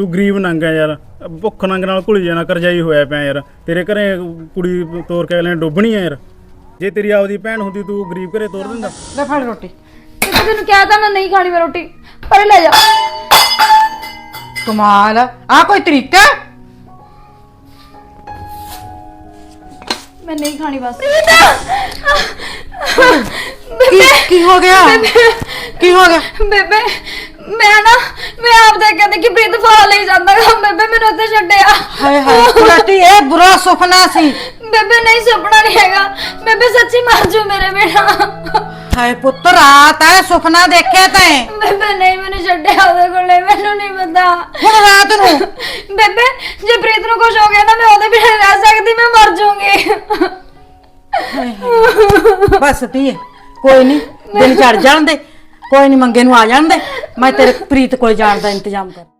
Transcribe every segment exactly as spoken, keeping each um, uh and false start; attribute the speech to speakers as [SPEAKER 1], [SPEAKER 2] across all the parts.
[SPEAKER 1] ਤੂੰ ਗਰੀਬ ਨੰਗ ਹੈ ਯਾਰ, ਭੁੱਖ ਨੰਗ ਨਾਲ ਘੁਲੀ ਜਾਣਾ, ਕਰਜਾਈ ਹੋਇਆ ਪਿਆ ਯਾਰ। ਤੇਰੇ ਘਰੇ ਕੁੜੀ ਤੋਰ ਕੇ ਅਗਲੇ ਨੇ ਡੁੱਬਣੀ ਹੈ ਯਾਰ। ਜੇ ਤੇਰੀ ਆਪਦੀ ਭੈਣ ਹੁੰਦੀ ਤੂੰ ਗਰੀਬ ਘਰੇ ਤੋਰ ਦਿੰਦਾ।
[SPEAKER 2] ਲੈ ਫੜ ਰੋਟੀ। ਤੈਨੂੰ ਕਿਹਾ ਤਾਂ ਮੈਂ ਨਹੀਂ ਖਾਣੀ ਮੈਂ ਰੋਟੀ, ਪਰ ਲੈ ਜਾ। ਕਮਾਲ ਆ, ਕੋਈ ਤਰੀਕਾ? मैं नहीं खानी बस।
[SPEAKER 3] की, की हो गया? की हो गया?
[SPEAKER 2] बेबे मैं ना मैं आप देख के देखी प्रीत फाल ले जांदा गा। बेबे मैंने उत्ते छड्डिया।
[SPEAKER 3] हाय हाय कुलटी ए बुरा सुपना सी।
[SPEAKER 2] बेबे नहीं सुपना नहीं हैगा, बेबे सच्ची मर जू मेरे बिना।
[SPEAKER 3] हाय पुत्र रात है सुपना देखिया तैं?
[SPEAKER 2] बेबे नहीं मैंने छड्डिया ओदे कोले, मैनू नहीं पता।
[SPEAKER 3] हुण रात नू
[SPEAKER 2] बेबे जे प्रीत नू कुछ हो गया ना मैं ओदे बिना रह सकदी, मैं मर जाऊंगी।
[SPEAKER 3] बस धीए कोई नहीं, दिन चढ़ जान दे, कोई नहीं मंगे नू आ जान दे, मैं तेरे प्रीत कोल जाण दा इंतजाम कर।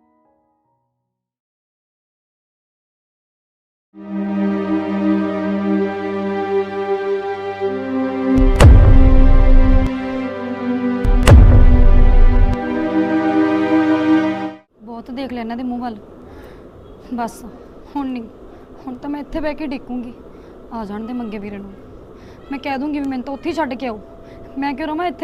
[SPEAKER 2] बहुत देख लिया इन्हां दे मूंह वल, बस हुण नहीं, हुण तां मैं इत्थे बैठ के डिकूंगी। आ जाण दे मंगे वीरे नूं, मैं कह दूंगी भी मैनूं तां उत्थे ही छड्ड के आओ, मैं क्यों रहां इत्थे।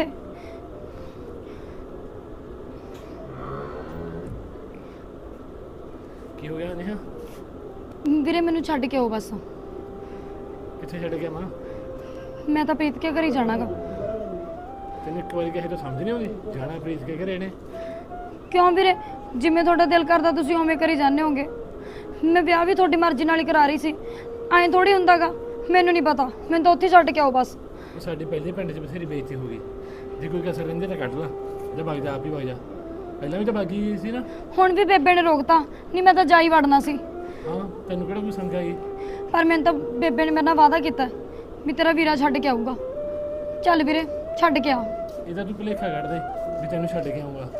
[SPEAKER 1] ਕੀ ਹੋ ਗਿਆ ਨੇਹਾ?
[SPEAKER 2] ਵੀਰੇ ਮੈਨੂੰ ਛੱਡ ਕੇ ਆਓ ਬਸ।
[SPEAKER 1] ਕਿੱਥੇ ਛੱਡ ਗਿਆ ਮਾਂ?
[SPEAKER 2] ਮੈਂ ਤਾਂ ਪ੍ਰੀਤ ਕੇ ਘਰ ਹੀ ਜਾਣਾਗਾ।
[SPEAKER 1] ਤੈਨੂੰ ਇੱਕ ਵਾਰੀ ਕਹੇ ਤਾਂ ਸਮਝ ਨਹੀਂ ਆਉਂਦੀ? ਜਾਣਾ ਪ੍ਰੀਤ ਕੇ ਘਰੇ ਨੇ।
[SPEAKER 2] ਕਿਉਂ ਵੀਰੇ, ਜਿਵੇਂ ਤੁਹਾਡਾ ਦਿਲ ਕਰਦਾ ਤੁਸੀਂ ਉਵੇਂ ਕਰੀ ਜਾਂਦੇ ਹੋਗੇ। ਮੈਂ ਵਿਆਹ ਵੀ ਤੁਹਾਡੀ ਮਰਜ਼ੀ ਨਾਲ ਹੀ ਕਰਾ ਰਹੀ ਸੀ, ਐਂ ਥੋੜੀ ਹੁੰਦਾਗਾ। ਮੈਨੂੰ ਨਹੀਂ ਪਤਾ, ਮੈਨੂੰ ਤਾਂ ਉੱਥੇ ਛੱਡ ਕੇ ਆਓ ਬਸ।
[SPEAKER 1] ਸਾਡੀ ਪਹਿਲੇ ਪਿੰਡ 'ਚ ਬਥੇਰੀ ਬੇਇੱਜ਼ਤੀ ਹੋ ਗਈ, ਜੇ ਕੋਈ ਕਸਰ ਰਹਿੰਦੇ ਤਾਂ ਕੱਢ ਲਾ, ਜਾਂ ਵਗ ਜਾ, ਆਪ ਹੀ ਵਗ ਜਾ। ਪਹਿਲਾਂ ਵੀ ਤਾਂ ਬਾਗੀ ਗਈ ਸੀ ਨਾ। ਹੁਣ
[SPEAKER 2] ਵੀ ਬੇਬੇ ਨੇ ਰੋਕਤਾ, ਨਹੀਂ ਮੈਂ ਤਾਂ ਜਾ ਹੀ ਵੜਨਾ ਸੀ।
[SPEAKER 1] ਹਾਂ ਤੈਨੂੰ ਕਿਹੜਾ ਕੋਈ ਸੰਗ ਆਈ?
[SPEAKER 2] ਪਰ ਮੈਨੂੰ ਤਾਂ ਬੇਬੇ ਨੇ ਮੇਰੇ ਨਾਲ ਵਾਅਦਾ ਕੀਤਾ ਵੀ ਤੇਰਾ ਵੀਰਾ ਛੱਡ ਕੇ ਆਊਗਾ। ਚੱਲ ਵੀਰੇ ਛੱਡ ਕੇ ਆ।
[SPEAKER 1] ਇਹਦਾ ਤੂੰ ਭੁਲੇਖਾ ਕੱਢ ਦੇ ਵੀ ਤੈਨੂੰ ਛੱਡ ਕੇ ਆਊਗਾ।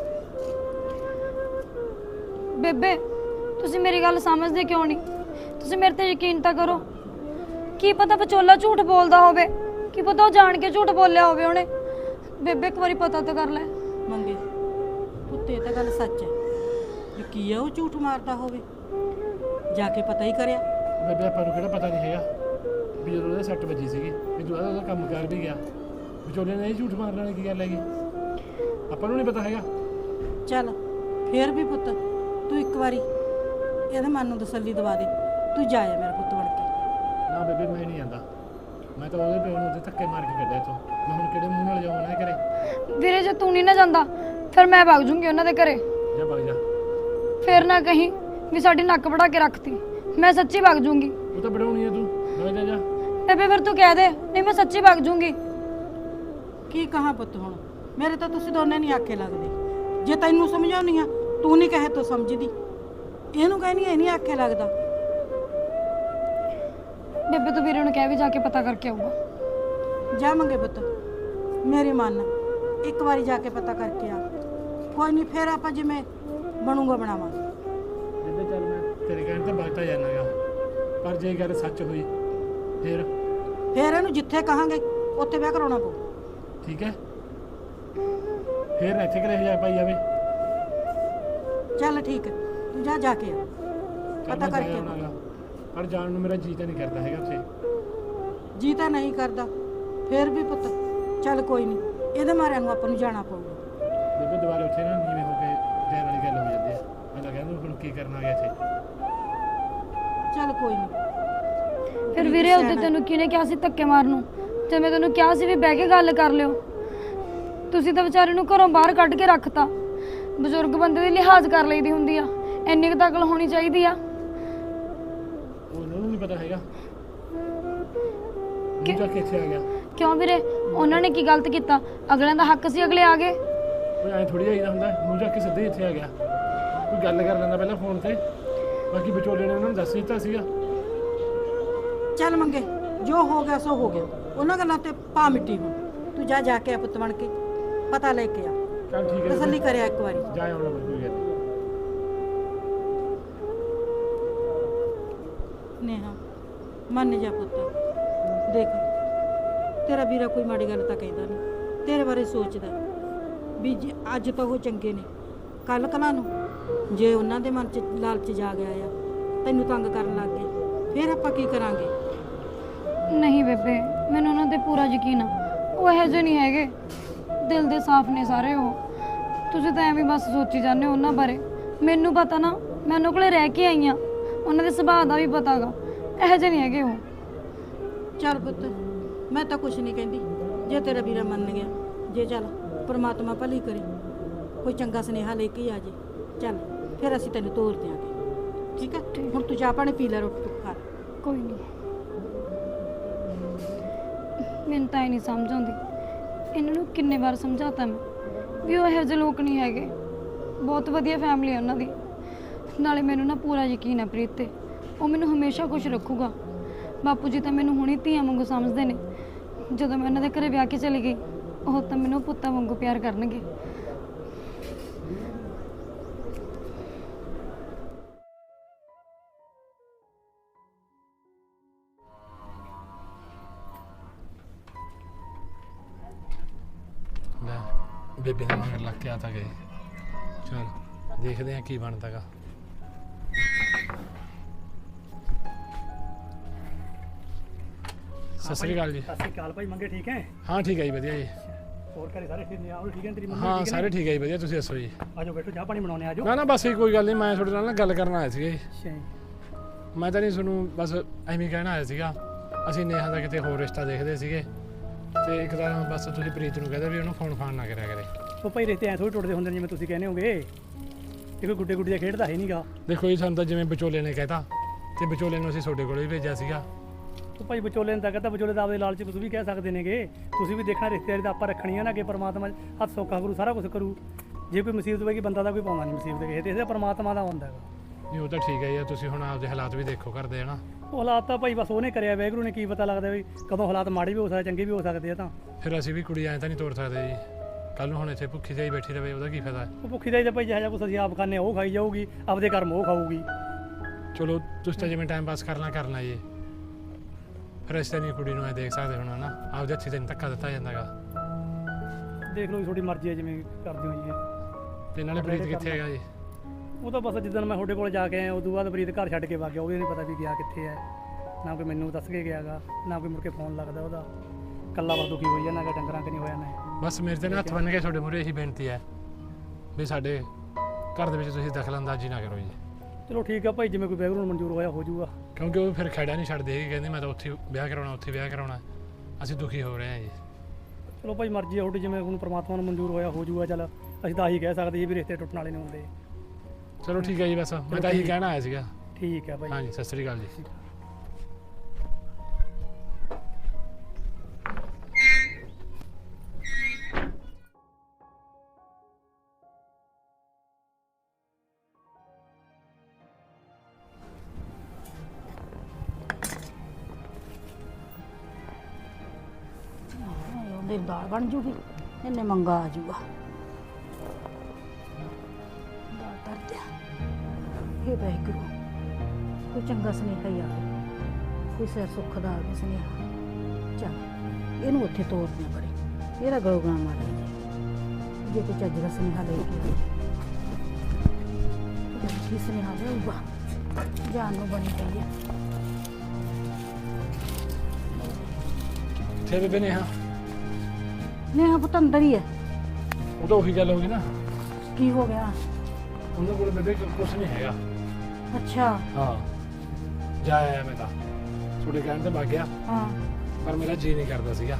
[SPEAKER 2] ਬੇਬੇ ਤੁਸੀਂ ਮੇਰੀ ਗੱਲ ਸਮਝਦੇ ਕਿਉਂ ਨਹੀਂ? ਤੁਸੀਂ ਮੇਰੇ ਤੇ ਯਕੀਨ ਤਾਂ ਕਰੋ। ਕੀ ਪਤਾ ਵਿਚੋਲਾ ਝੂਠ ਬੋਲਦਾ ਹੋਵੇ, ਕੀ ਪਤਾ ਉਹ ਜਾਣ ਕੇ ਝੂਠ ਬੋਲਿਆ ਹੋਵੇ ਉਹਨੇ। ਬੇਬੇ ਇੱਕ ਵਾਰੀ ਪਤਾ ਤਾਂ ਕਰ ਲੈ।
[SPEAKER 3] ਮੰਗੇ ਪੁੱਤ ਇਹ ਤਾਂ ਗੱਲ ਸੱਚ ਹੈ ਵੀ ਕੀ ਆ ਉਹ ਝੂਠ ਮਾਰਦਾ ਹੋਵੇ, ਜਾ ਕੇ ਪਤਾ ਹੀ ਕਰਿਆ।
[SPEAKER 1] ਬੇਬੇ ਆਪਾਂ ਨੂੰ ਕਿਹੜਾ ਪਤਾ ਨਹੀਂ ਹੈਗਾ ਵੀ ਜਦੋਂ ਉਹਦੇ ਸੱਟ ਵੱਜੀ ਸੀਗੀ ਵੀ ਤੂੰ ਉਹਦਾ ਕੰਮ ਕਰ ਵੀ ਗਿਆ, ਵਿਚੋਲੇ ਨੇ ਇਹ ਝੂਠ ਮਾਰਨ ਵਾਲੀ ਕੀ ਗੱਲ ਹੈਗੀ? ਆਪਾਂ ਨੂੰ ਨਹੀਂ ਪਤਾ ਹੈਗਾ।
[SPEAKER 3] ਚੱਲ ਫੇਰ ਵੀ ਪੁੱਤ ਤੂੰ ਇੱਕ ਵਾਰੀ ਇਹਦੇ ਮਨ ਨੂੰ ਤਸੱਲੀ ਦਵਾ ਦੇ, ਤੂੰ ਜਾਇਆ ਮੇਰਾ ਪੁੱਤ ਬਣ ਕੇ।
[SPEAKER 1] ਨਾ ਬੇਬੇ ਮੈਂ ਨਹੀਂ ਜਾਂਦਾ, ਮੈਂ ਤਾਂ ਉਹਦੇ ਪਿਓ ਨੂੰ ਉਹਦੇ ਧੱਕੇ ਮਾਰ ਕੇ ਕੱਢਿਆ ਇੱਥੋਂ। ਮੈਂ ਹੁਣ ਕਿਹੜੇ ਮੂੰਹ ਨਾਲ ਜਾਵਾਂ ਨਾ ਘਰੇ?
[SPEAKER 2] ਵੀਰੇ ਜੇ ਤੂੰ ਨਹੀਂ ਨਾ ਜਾਂਦਾ ਫਿਰ ਮੈਂ ਵਗ ਜੂੰਗੀ ਉਹਨਾਂ ਦੇ ਘਰੇ।
[SPEAKER 1] ਜਾ ਵਗ ਜਾ।
[SPEAKER 2] ਫਿਰ ਨਾ ਕਹੀਂ ਵੀ ਸਾਡੀ ਨੱਕ ਵੜਾ ਕੇ ਰੱਖਤੀ, ਮੈਂ ਸੱਚੀ ਵਗ ਜੂੰਗੀ।
[SPEAKER 1] ਉਹ ਤਾਂ ਬੜਾਉਣੀ ਹੈ ਤੂੰ, ਵਗ ਜਾ ਜਾ।
[SPEAKER 2] ਬੇਬੇ ਫਿਰ ਤੂੰ ਕਹਿ ਦੇ, ਨਹੀਂ ਮੈਂ ਸੱਚੀ ਵਗ ਜੂੰਗੀ।
[SPEAKER 3] ਕੀ ਕਹਾਂ ਪੁੱਤ ਹੁਣ, ਮੇਰੇ ਤਾਂ ਤੁਸੀਂ ਦੋਨੇ ਨਹੀਂ ਆਖੇ ਲੱਗਦੇ। ਜੇ ਤੈਨੂੰ ਸਮਝਾਉਣੀ ਆ ਤੂੰ ਨਹੀਂ ਕਹੇ ਤੂੰ ਸਮਝਦੀ, ਇਹਨੂੰ ਕਹਿਨੀ ਇਹ ਨਹੀਂ ਆਖੇ ਲੱਗਦਾ।
[SPEAKER 2] ਬੇਬੇ ਤੂੰ ਵੀਰੇ ਨੂੰ ਕਹਿ ਵੀ ਜਾ ਕੇ ਪਤਾ ਕਰਕੇ ਆਊਗਾ।
[SPEAKER 3] ਜਾ ਮੰਗੇ ਪੁੱਤ ਮੇਰੀ ਮੰਨ, ਇੱਕ ਵਾਰੀ ਜਾ ਕੇ ਪਤਾ ਕਰਕੇ ਆ। ਕੋਈ ਨਹੀਂ ਫੇਰ ਆਪਾਂ ਜਿਵੇਂ ਬਣੂਗਾ ਬਣਾਵਾਂਗੇ।
[SPEAKER 1] ਜਿੱਦੇ ਚੱਲ ਮੈਂ ਤੇਰੇ ਕਹਿਣ ਤੇ ਵਗਦਾ ਜਾਣਾਗਾ, ਪਰ ਜੇ ਗੱਲ ਸੱਚ ਹੋਈ ਫਿਰ
[SPEAKER 3] ਫੇਰ ਇਹਨੂੰ ਜਿੱਥੇ ਕਹਾਂਗੇ ਉੱਥੇ ਵਿਆਹ ਕਰਾਉਣਾ ਪਊ।
[SPEAKER 1] ਠੀਕ ਹੈ, ਫਿਰ ਇੱਥੇ ਘਰੇ ਜਾ ਪਾਈ ਜਾਵੇ।
[SPEAKER 3] ਚੱਲ ਠੀਕ ਹੈ, ਤੂੰ ਜਾ ਜਾ ਕੇ ਆ ਪਤਾ ਕਰਕੇ ਆ।
[SPEAKER 1] ਪਰ ਜਾਣ ਨੂੰ ਮੇਰਾ ਜੀ ਤਾਂ ਨਹੀਂ ਕਰਦਾ ਹੈਗਾ ਉੱਥੇ।
[SPEAKER 3] ਜੀ ਤਾਂ ਨਹੀਂ ਕਰਦਾ, ਫੇਰ ਵੀ ਪੁੱਤ ਚੱਲ ਕੋਈ ਨਹੀਂ, ਇਹਦੇ ਮਾਰਿਆਂ ਨੂੰ ਆਪਾਂ ਨੂੰ ਜਾਣਾ ਪਊਗਾ।
[SPEAKER 1] ਬੇਬੇ ਦੁਬਾਰਾ ਉੱਥੇ ਨਾ ਨੀਵੇਂ ਹੋ ਕੇ ਦੇਣ ਵਾਲੀ ਗੱਲ ਹੋ ਜਾਂਦੀ ਹੈ। ਮੈਂ ਤਾਂ ਕਹਿੰਦਾ ਹੁਣ ਕੀ ਕਰਨਾ ਗਿਆ ਇੱਥੇ।
[SPEAKER 3] ਚੱਲ ਕੋਈ ਨਹੀਂ।
[SPEAKER 2] ਫਿਰ ਵੀਰੇ ਉਹਦੇ ਤੈਨੂੰ ਕਿਹਨੇ ਕਿਹਾ ਸੀ ਧੱਕੇ ਮਾਰਨ ਨੂੰ? ਤੇ ਮੈਂ ਤੈਨੂੰ ਕਿਹਾ ਸੀ ਵੀ ਬਹਿ ਕੇ ਗੱਲ ਕਰ ਲਿਓ। ਤੁਸੀਂ ਤਾਂ ਵਿਚਾਰੇ ਨੂੰ ਘਰੋਂ ਬਾਹਰ ਕੱਢ ਕੇ ਰੱਖਤਾ। ਬਜ਼ੁਰਗ ਬੰਦੇ ਦੀ ਲਿਹਾਜ਼ ਕਰ ਲਈਦੀ ਹੁੰਦੀ ਆ, ਇੰਨੀ ਕੁ ਤਾਂ ਅਕਲ ਹੋਣੀ ਚਾਹੀਦੀ ਆ।
[SPEAKER 1] ਉਹਨਾਂ ਨੂੰ ਨਹੀਂ ਪਤਾ ਹੈਗਾ ਕਿ ਜਾ ਕੇ ਇੱਥੇ ਆ ਗਿਆ।
[SPEAKER 2] ਕਿਉਂ ਵੀਰੇ, ਉਹਨਾਂ ਨੇ ਕੀ ਗਲਤ ਕੀਤਾ? ਅਗਲਿਆਂ ਦਾ ਹੱਕ ਸੀ, ਅਗਲੇ ਆ ਗਏ।
[SPEAKER 1] ਕੋਈ ਐਂ ਥੋੜੀ ਆਈਦਾ ਹੁੰਦਾ, ਮੂੰਹ ਜਾ ਕੇ ਸਿੱਧੇ ਇੱਥੇ ਆ ਗਿਆ। ਕੋਈ ਗੱਲ ਕਰ ਲੈਂਦਾ ਪਹਿਲਾਂ ਫੋਨ ਤੇ, ਬਾਕੀ ਵਿਚੋਲੇ ਨੇ ਉਹਨਾਂ ਨੂੰ ਦੱਸ ਦਿੱਤਾ ਸੀਗਾ।
[SPEAKER 3] ਚੱਲ ਮੰਗੇ ਜੋ ਹੋ ਗਿਆ ਸੋ ਹੋ ਗਿਆ, ਉਹਨਾਂ ਗੱਲਾਂ ਤੇ ਪਾ ਮਿੱਟੀ ਹੁਣ। ਤੂੰ ਜਾ ਜਾ ਕੇ ਆ ਪੁੱਤ ਬਣ ਕੇ ਪਤਾ ਲੈ ਕੇ ਆ।
[SPEAKER 1] ਚੱਲ ਠੀਕ ਹੈ,
[SPEAKER 3] ਤਸੱਲੀ ਕਰਿਆ ਇੱਕ ਵਾਰੀ।
[SPEAKER 1] ਜਾ ਆਉਣਾ ਕੋਈ ਗੱਲ ਨਹੀਂ।
[SPEAKER 3] ਨੇਹਾ ਮੰਨ ਜਾ ਪੁੱਤ, ਦੇਖ ਤੇਰਾ ਵੀਰਾ ਕੋਈ ਮਾੜੀ ਗੱਲ ਤਾਂ ਕਹਿੰਦਾ ਨਹੀਂ, ਤੇਰੇ ਬਾਰੇ ਸੋਚਦਾ ਵੀ ਜੇ ਅੱਜ ਤਾਂ ਉਹ ਚੰਗੇ ਨੇ, ਕੱਲ ਕਲਾਂ ਨੂੰ ਜੇ ਉਹਨਾਂ ਦੇ ਮਨ 'ਚ ਲਾਲਚ ਜਾ ਗਿਆ ਆ ਤੈਨੂੰ ਤੰਗ ਕਰਨ ਲੱਗ ਗਏ ਫਿਰ ਆਪਾਂ ਕੀ ਕਰਾਂਗੇ?
[SPEAKER 2] ਨਹੀਂ ਬੇਬੇ, ਮੈਨੂੰ ਉਹਨਾਂ ਤੇ ਪੂਰਾ ਯਕੀਨ ਆ। ਉਹ ਇਹੋ ਜਿਹੇ ਨਹੀਂ ਹੈਗੇ, ਦਿਲ ਦੇ ਸਾਫ਼ ਨੇ ਸਾਰੇ ਉਹ। ਤੁਸੀਂ ਤਾਂ ਐਵੇਂ ਬਸ ਸੋਚੀ ਜਾਂਦੇ ਹੋ ਉਹਨਾਂ ਬਾਰੇ। ਮੈਨੂੰ ਪਤਾ ਨਾ, ਮੈਂ ਉਹਨਾਂ ਕੋਲੇ ਰਹਿ ਕੇ ਆਈ ਆ, ਉਹਨਾਂ ਦੇ ਸੁਭਾਅ ਦਾ ਵੀ ਪਤਾਗਾ। ਇਹੋ ਜਿਹੇ ਨਹੀਂ ਹੈਗੇ ਉਹ।
[SPEAKER 3] ਚੱਲ ਪੁੱਤ, ਮੈਂ ਤਾਂ ਕੁਛ ਨਹੀਂ ਕਹਿੰਦੀ ਜੇ ਤੇਰਾ ਵੀਰਾ ਮੰਨ ਗਿਆ। ਜੇ ਚੱਲ ਪਰਮਾਤਮਾ ਭਲੀ ਕਰੇ, ਕੋਈ ਚੰਗਾ ਸੁਨੇਹਾ ਲੈ ਕੇ ਆ ਜੇ। ਚੱਲ ਫਿਰ ਅਸੀਂ ਤੈਨੂੰ ਤੋਰ ਦਿਆਂਗੇ, ਠੀਕ ਹੈ? ਹੁਣ ਤੂੰ ਚਾਹ ਪਾਣੀ ਪੀ ਲੈ, ਰੋਟੀ ਟੁੱਕ ਖਾ ਲੈ।
[SPEAKER 2] ਕੋਈ ਨਹੀਂ, ਮੈਨੂੰ ਤਾਂ ਇਹ ਨਹੀਂ ਸਮਝ ਆਉਂਦੀ, ਇਹਨਾਂ ਨੂੰ ਕਿੰਨੇ ਵਾਰ ਸਮਝਾਤਾ ਮੈਂ ਵੀ ਉਹ ਇਹੋ ਜਿਹੇ ਲੋਕ ਨਹੀਂ ਹੈਗੇ। ਬਹੁਤ ਵਧੀਆ ਫੈਮਿਲੀ ਹੈ ਉਹਨਾਂ ਦੀ। ਨਾਲੇ ਮੈਨੂੰ ਨਾ ਪੂਰਾ ਯਕੀਨ ਹੈ ਪ੍ਰੀਤ ਤੇ, ਉਹ ਮੈਨੂੰ ਹਮੇਸ਼ਾ ਖੁਸ਼ ਰੱਖੂਗਾ। ਬਾਪੂ ਜੀ ਤਾਂ ਮੈਨੂੰ ਹੁਣੇ ਧੀਆਂ ਵਾਂਗੂ ਸਮਝਦੇ ਨੇ। ਜਦੋਂ ਮੈਂ ਉਹਨਾਂ ਦੇ ਘਰੇ ਵਿਆਹ ਕੇ ਚਲੀ ਗਈ, ਉਹ ਤਾਂ ਮੈਨੂੰ ਪੁੱਤਾਂ ਵਾਂਗੂ ਪਿਆਰ ਕਰਨਗੇ।
[SPEAKER 1] ਲੈ ਬੇਬੇ ਦੇ ਮਗਰ ਲੱਗ ਕੇ ਆ ਤਾਂ ਗਏ। ਚਲ ਦੇਖਦੇ ਆ ਕੀ ਬਣਦਾਗਾ। ਸਤਿ ਸ੍ਰੀ ਅਕਾਲ ਜੀ।
[SPEAKER 4] ਸਤਿ ਸ਼੍ਰੀ ਅਕਾਲ ਭਾਈ ਮੰਗੇ, ਠੀਕ ਹੈ?
[SPEAKER 1] ਹਾਂ ਠੀਕ ਹੈ ਜੀ, ਵਧੀਆ ਜੀ।
[SPEAKER 4] ਹੋਰ ਘਰੇ ਸਾਰੇ ਠੀਕ ਨੇ? ਆਓ ਠੀਕ ਹੈ, ਤੇਰੀ ਮੰਮੀ
[SPEAKER 1] ਹਾਂ
[SPEAKER 4] ਠੀਕ
[SPEAKER 1] ਸਾਰੇ
[SPEAKER 4] ਨੇ?
[SPEAKER 1] ਠੀਕ ਹੈ ਜੀ, ਵਧੀਆ। ਤੁਸੀਂ ਦੱਸੋ ਜੀ?
[SPEAKER 4] ਆਜੋ ਬੈਠੋ, ਚਾਹ ਪਾਣੀ ਬਣਾਉਣੇ ਆਜੋ।
[SPEAKER 1] ਨਾ ਨਾ ਬਸ ਇਹ ਕੋਈ ਗੱਲ ਨਹੀਂ, ਮੈਂ ਤੁਹਾਡੇ ਨਾਲ ਨਾ ਗੱਲ ਕਰਨ ਆਇਆ ਸੀਗਾ ਜੀ।
[SPEAKER 4] ਅੱਛਾ ਜੀ।
[SPEAKER 1] ਮੈਂ ਤਾਂ ਨਹੀਂ ਤੁਹਾਨੂੰ ਬਸ ਐਵੇਂ ਹੀ ਕਹਿਣਾ ਆਇਆ ਸੀਗਾ। ਅਸੀਂ ਨੇਹਾ ਦਾ ਕਿਤੇ ਹੋਰ ਰਿਸ਼ਤਾ ਦੇਖਦੇ ਸੀਗੇ, ਤੇ ਇੱਕ ਤਾਂ ਬਸ ਤੁਸੀਂ ਪ੍ਰੀਤ ਨੂੰ ਕਹਿੰਦੇ ਵੀ ਉਹਨੂੰ ਫੋਨ ਫਾਨ ਨਾ ਕਰਿਆ ਕਰੇ।
[SPEAKER 4] ਉਹ ਭਾਈ ਰਿਸ਼ਤੇ ਐਂ ਥੋੜ੍ਹੇ ਟੁੱਟਦੇ ਹੁੰਦੇ ਨੇ ਜਿਵੇਂ ਤੁਸੀਂ ਕਹਿੰਦੇ ਹੋਗੇ। ਇਹ ਕੋਈ ਗੁੱਡੇ ਗੁੱਡੀ ਦਾ ਖੇਡਦਾ ਹੈ ਨਹੀਂਗਾ।
[SPEAKER 1] ਦੇਖੋ ਜੀ, ਸਾਨੂੰ ਤਾਂ ਜਿਵੇਂ ਵਿਚੋਲੇ ਨੇ ਕਹਿਤਾ, ਤੇ ਵਿਚੋਲੇ ਨੂੰ ਅਸੀਂ ਤੁਹਾਡੇ ਕੋਲ ਵੀ ਭੇਜਿਆ ਸੀਗਾ।
[SPEAKER 4] ਉਹ ਭਾਈ ਵਿਚੋਲੇ ਨੇ ਤਾਂ ਕਹਿੰਦਾ, ਵਿਚੋਲੇ ਦਾ ਆਪਦੇ ਲਾਲਚ ਤੁਸੀਂ ਵੀ ਕਹਿ ਸਕਦੇ ਨੇਗੇ। ਤੁਸੀਂ ਵੀ ਦੇਖਣਾ ਰਿਸ਼ਤੇਦਾਰੀ ਤਾਂ ਆਪਾਂ ਰੱਖਣੀ ਆ ਨਾ, ਕਿ ਪਰਮਾਤਮਾ ਹੱਥ ਸੌਖਾ ਕਰੂ, ਸਾਰਾ ਕੁਝ ਕਰੂ। ਜੇ ਕੋਈ ਮੁਸੀਬਤ ਹੋਵੇਗੀ ਬੰਦਾ ਦਾ ਕੋਈ ਪਾਉਂਦਾ ਨਹੀਂ ਮੁਸੀਬਤ ਕਿਸੇ ਤੇ, ਇਹਦਾ ਪਰਮਾਤਮਾ ਦਾ ਹੁੰਦਾ ਹੈਗਾ।
[SPEAKER 1] ਨਹੀਂ ਉਹ ਤਾਂ ਠੀਕ ਹੈ ਯਾਰ, ਤੁਸੀਂ ਹੁਣ ਆਪਦੇ ਹਾਲਾਤ ਵੀ ਦੇਖੋ ਕਰਦੇ ਹਨਾ।
[SPEAKER 4] ਉਹ ਹਾਲਾਤ ਤਾਂ ਭਾਈ ਬਸ ਉਹਨੇ ਕਰਿਆ, ਵਾਹਿਗੁਰੂ ਨੇ ਕੀ ਪਤਾ ਲੱਗਦਾ ਵੀ ਕਦੋਂ ਹਾਲਾਤ ਮਾੜੇ ਵੀ ਹੋ ਸਕਦੇ, ਚੰਗੇ ਵੀ ਹੋ ਸਕਦੇ ਆ। ਤਾਂ
[SPEAKER 1] ਫਿਰ ਅਸੀਂ ਵੀ ਕੁੜੀ ਐਂ ਤਾਂ ਨਹੀਂ ਤੋੜ ਸਕਦੇ ਜੀ। ਕੱਲ ਨੂੰ ਹੁਣ ਇੱਥੇ ਭੁੱਖੀ ਜਾਈ ਬੈਠੀ ਰਵੇ, ਉਹਦਾ ਕੀ ਫਾਇਦਾ?
[SPEAKER 4] ਉਹ ਭੁੱਖੀ ਦਾ ਹੀ ਤਾਂ ਭਾਈ ਜਿਹੜਾ ਕੁਛ ਅਸੀਂ ਆਪ ਖਾਂਦੇ ਉਹ ਖਾਈ ਜਾਊਗੀ, ਆਪਦੇ ਕਰਮ ਉਹ ਖਾਊਗੀ।
[SPEAKER 1] ਚਲੋ ਤੁਸੀਂ ਤਾਂ ਜਿਵੇਂ ਟਾਈਮ ਪਾਸ ਕਰਨਾ ਕਰਨਾ ਜੀ। ਫਿਰ ਅਸੀਂ ਤਾਂ ਨਹੀਂ ਕੁੜੀ ਨੂੰ ਐ ਦੇਖ ਸਕਦੇ ਹੁਣ ਹਨਾ, ਆਪਦੇ ਹੱਥੀਂ ਤੈਨੂੰ ਧੱਕਾ ਦਿੱਤਾ ਜਾਂਦਾਗਾ।
[SPEAKER 4] ਦੇਖ ਲਓ ਜੀ, ਤੁਹਾਡੀ ਮਰਜ਼ੀ ਹੈ ਜਿਵੇਂ ਕਰਦੇ ਹੋ ਜੀ।
[SPEAKER 1] ਤੇ ਨਾਲੇ ਪ੍ਰੀਤ ਕਿੱਥੇ ਹੈਗਾ ਜੀ?
[SPEAKER 4] ਉਹ ਤਾਂ ਬਸ ਜਿੱਦਣ ਮੈਂ ਤੁਹਾਡੇ ਕੋਲ ਜਾ ਕੇ ਆਇਆ ਉਦੋਂ ਬਾਅਦ ਪ੍ਰੀਤ ਘਰ ਛੱਡ ਕੇ ਵਗ ਗਿਆ। ਉਹ ਵੀ ਨਹੀਂ ਪਤਾ ਵੀ ਗਿਆ ਕਿੱਥੇ ਹੈ, ਨਾ ਕੋਈ ਮੈਨੂੰ ਦੱਸ ਕੇ ਗਿਆਗਾ, ਨਾ ਕੋਈ ਮੁੜ ਕੇ ਫੋਨ ਲੱਗਦਾ ਉਹਦਾ। ਕੱਲਾ ਬਸ ਦੁਖੀ ਹੋਈ ਜਾਂਦਾ, ਡੰਗਰਾਂ ਕਿ ਨਹੀਂ ਹੋਇਆ ਨਾ।
[SPEAKER 1] ਬਸ ਮੇਰੇ ਤੇ ਨਾ ਹੱਥ ਬੰਨ ਕੇ ਤੁਹਾਡੇ ਮੂਹਰੇ ਇਹੀ ਬੇਨਤੀ ਹੈ ਵੀ ਸਾਡੇ ਘਰ ਦੇ ਵਿੱਚ ਤੁਸੀਂ ਦਖਲਅੰਦਾਜ਼ੀ ਨਾ ਕਰੋ ਜੀ।
[SPEAKER 4] ਚਲੋ ਠੀਕ ਆ ਭਾਈ, ਜਿਵੇਂ ਕੋਈ ਵਾਹਿਗੁਰੂ ਨੂੰ ਮਨਜ਼ੂਰ ਹੋਇਆ ਹੋ ਜਾਊਗਾ।
[SPEAKER 1] ਕਿਉਂਕਿ ਉਹ ਫਿਰ ਖੜਾ ਨਹੀਂ ਛੱਡਦੇ ਹੈਗੇ, ਕਹਿੰਦੇ ਮੈਂ ਤਾਂ ਉੱਥੇ ਵਿਆਹ ਕਰਾਉਣਾ, ਉੱਥੇ ਵਿਆਹ ਕਰਾਉਣਾ। ਅਸੀਂ ਦੁਖੀ ਹੋ ਰਹੇ ਹਾਂ ਜੀ।
[SPEAKER 4] ਚਲੋ ਭਾਈ ਮਰਜ਼ੀ ਆ ਤੁਹਾਡੀ, ਜਿਵੇਂ ਹੁਣ ਪਰਮਾਤਮਾ ਨੂੰ ਮਨਜ਼ੂਰ ਹੋਇਆ ਹੋ ਜਾਊਗਾ। ਚੱਲ ਅਸੀਂ ਤਾਂ ਆਹੀ ਕਹਿ ਸਕਦੇ ਜੀ ਵੀ ਰਿਸ਼ਤੇ ਟੁੱਟਣ ਵਾਲੇ ਨਹੀਂ ਹੁੰਦੇ।
[SPEAKER 1] ਚਲੋ ਠੀਕ ਹੈ ਜੀ, ਬਸ ਮੈਂ ਤਾਂ ਇਹੀ ਕਹਿਣਾ ਆਇਆ ਸੀਗਾ।
[SPEAKER 4] ਠੀਕ ਹੈ ਭਾਈ।
[SPEAKER 1] ਹਾਂਜੀ ਸਤਿ ਸ੍ਰੀ ਅਕਾਲ ਜੀ।
[SPEAKER 3] ਉਹਦੀ ਦਾਲ ਬਣ ਜੂਗੀ, ਇਹਨੇ ਮੰਗਾ ਆ ਜੂਗਾ। ਦਾਲ ਧਰ ਦਿਆ। ਇਹ ਵਾਹਿਗੁਰੂ, ਕੋਈ ਚੰਗਾ ਸੁਨੇਹਾ ਹੀ ਆਵੇ, ਕੋਈ ਸਿਰ ਸੁੱਖ ਦਾ ਆਵੇ ਸੁਨੇਹਾ। ਚੱਲ ਇਹਨੂੰ ਉੱਥੇ ਤੋਰ ਦਿਆਂ ਪਰੇ, ਇਹਦਾ ਗਲੋਗਣਾ ਮਾਰ ਜੇ ਜੇ ਕੋਈ ਚੱਜ ਦਾ ਸੁਨੇਹਾ ਲੈ ਕੇ ਆਵੇ। ਜਦ ਕੀ ਸੁਨੇਹਾ ਲਿਆਊਗਾ, ਜਾਨ ਨੂੰ ਬਣੀ ਪਈ ਹੈ।
[SPEAKER 1] ਤੇ ਬੇਬੇ ਨੇਹਾ,
[SPEAKER 3] ਨੇਹਾ ਪੁੱਤ ਅੰਦਰ ਹੀ ਹੈ।
[SPEAKER 1] ਉਹ ਤਾਂ ਉਹੀ ਗੱਲ ਹੋ ਗਈ ਨਾ।
[SPEAKER 3] ਕੀ ਹੋ ਗਿਆ?
[SPEAKER 1] ਉਹਨਾਂ ਕੋਲ ਬੇਬੇ ਕੁਛ ਨਹੀਂ ਹੈਗਾ।
[SPEAKER 3] ਅੱਛਾ।
[SPEAKER 1] ਹਾਂ ਜਾ ਆਇਆ ਮੈਂ ਤਾਂ, ਤੁਹਾਡੇ ਕਹਿਣ ਤੇ ਵਗ ਗਿਆ,
[SPEAKER 3] ਹਾਂ
[SPEAKER 1] ਪਰ ਮੇਰਾ ਜੀ ਨਹੀਂ ਕਰਦਾ ਸੀਗਾ।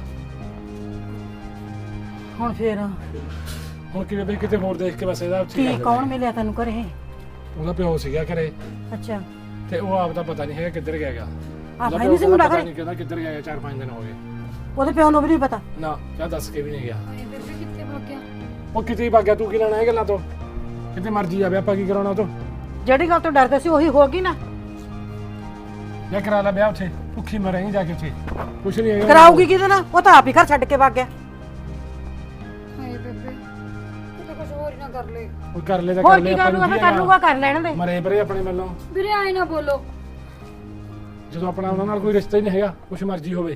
[SPEAKER 3] ਹੁਣ ਫੇਰ
[SPEAKER 1] ਹੁਣ ਕਿਵੇਂ ਬਈ ਕਿਤੇ ਹੋਰ ਦੇਖ ਕੇ ਬਸ ਇਹਦਾ ਉੱਥੇ
[SPEAKER 3] ਕੀ ਕੌਣ ਮਿਲਿਆ ਤੈਨੂੰ ਘਰੇ?
[SPEAKER 1] ਉਹਦਾ ਪਿਓ ਸੀਗਾ ਘਰੇ,
[SPEAKER 3] ਅੱਛਾ।
[SPEAKER 1] ਤੇ ਉਹ ਆਪ ਦਾ ਪਤਾ ਨਹੀਂ ਹੈਗਾ ਕਿੱਧਰ ਗਿਆ ਗਾ।
[SPEAKER 3] ਆਪ ਹੈ ਨਹੀਂ ਸੀ ਮੁੰਡਾ ਘਰੇ?
[SPEAKER 1] ਨਹੀਂ ਕਹਿੰਦਾ ਕਿੱਧਰ ਗਿਆ, ਚਾਰ ਪੰਜ ਦਿਨ ਹੋ ਗਏ।
[SPEAKER 3] ਉਹਦੇ ਪਿਓ ਨੂੰ ਵੀ ਨਹੀਂ ਪਤਾ?
[SPEAKER 1] ਨਾ ਕਿਆ ਦੱਸ ਕੇ ਵੀ ਨਹੀਂ ਗਿਆ।
[SPEAKER 2] ਹਾਏ ਬੇਬੇ, ਕਿੱਥੇ ਭੱਗ ਗਿਆ?
[SPEAKER 1] ਉਹ ਕਿਤੇ ਹੀ ਵਗ ਗਿਆ, ਤੂੰ ਕੀ ਲੈਣਾ ਇਹ ਗੱਲਾਂ ਤੋਂ? ਕਿਤੇ ਮਰਜ਼ੀ ਆਵੇ, ਆਪਾਂ ਕੀ ਕਰਾਉਣਾ ਉਹ ਤੋਂ?
[SPEAKER 3] ਜਿਹੜੀ ਗੱਲ ਤੋਂ ਡਰਦੇ ਸੀ ਉਹੀ ਹੋ ਗਈ ਨਾ।
[SPEAKER 1] ਜਾਂ ਕਰਾ ਲੈ ਵਿਆਹ ਉੱਥੇ, ਭੁੱਖੀ ਮਰੇਂਗੀ ਜਾ ਕੇ ਉੱਥੇ, ਕੁਛ ਨਹੀਂ ਹੈਗਾ।
[SPEAKER 3] ਕਰਾਊਗੀ ਕਿਹਦੇ ਨਾਲ? ਉਹ ਤਾਂ ਆਪ ਹੀ ਘਰ ਛੱਡ ਕੇ ਵਗ ਗਿਆ।
[SPEAKER 2] ਹਾਏ ਬੇਬੇ, ਕਿਤੇ ਕੁਝ ਹੋਰ ਹੀ ਨਾ ਕਰ ਲੈ।
[SPEAKER 1] ਉਹ ਕਰ ਲੈ ਤਾਂ
[SPEAKER 3] ਹੋਰ
[SPEAKER 1] ਕਰ ਲੈ,
[SPEAKER 3] ਕੀ ਕਰ ਲੂਗਾ? ਫਿਰ ਕਰ ਲੂਗਾ, ਕਰ ਲੈਣ ਦੇ।
[SPEAKER 1] ਮਰੇ ਪਰੇ ਆਪਣੇ ਵੱਲੋਂ।
[SPEAKER 2] ਵੀਰੇ ਆਏ ਨਾ ਬੋਲੋ।
[SPEAKER 1] ਜਦੋਂ ਆਪਣਾ ਉਹਨਾਂ ਨਾਲ ਕੋਈ ਰਿਸ਼ਤਾ ਹੀ ਨਹੀਂ ਹੈਗਾ, ਕੁਛ ਮਰਜ਼ੀ ਹੋਵੇ।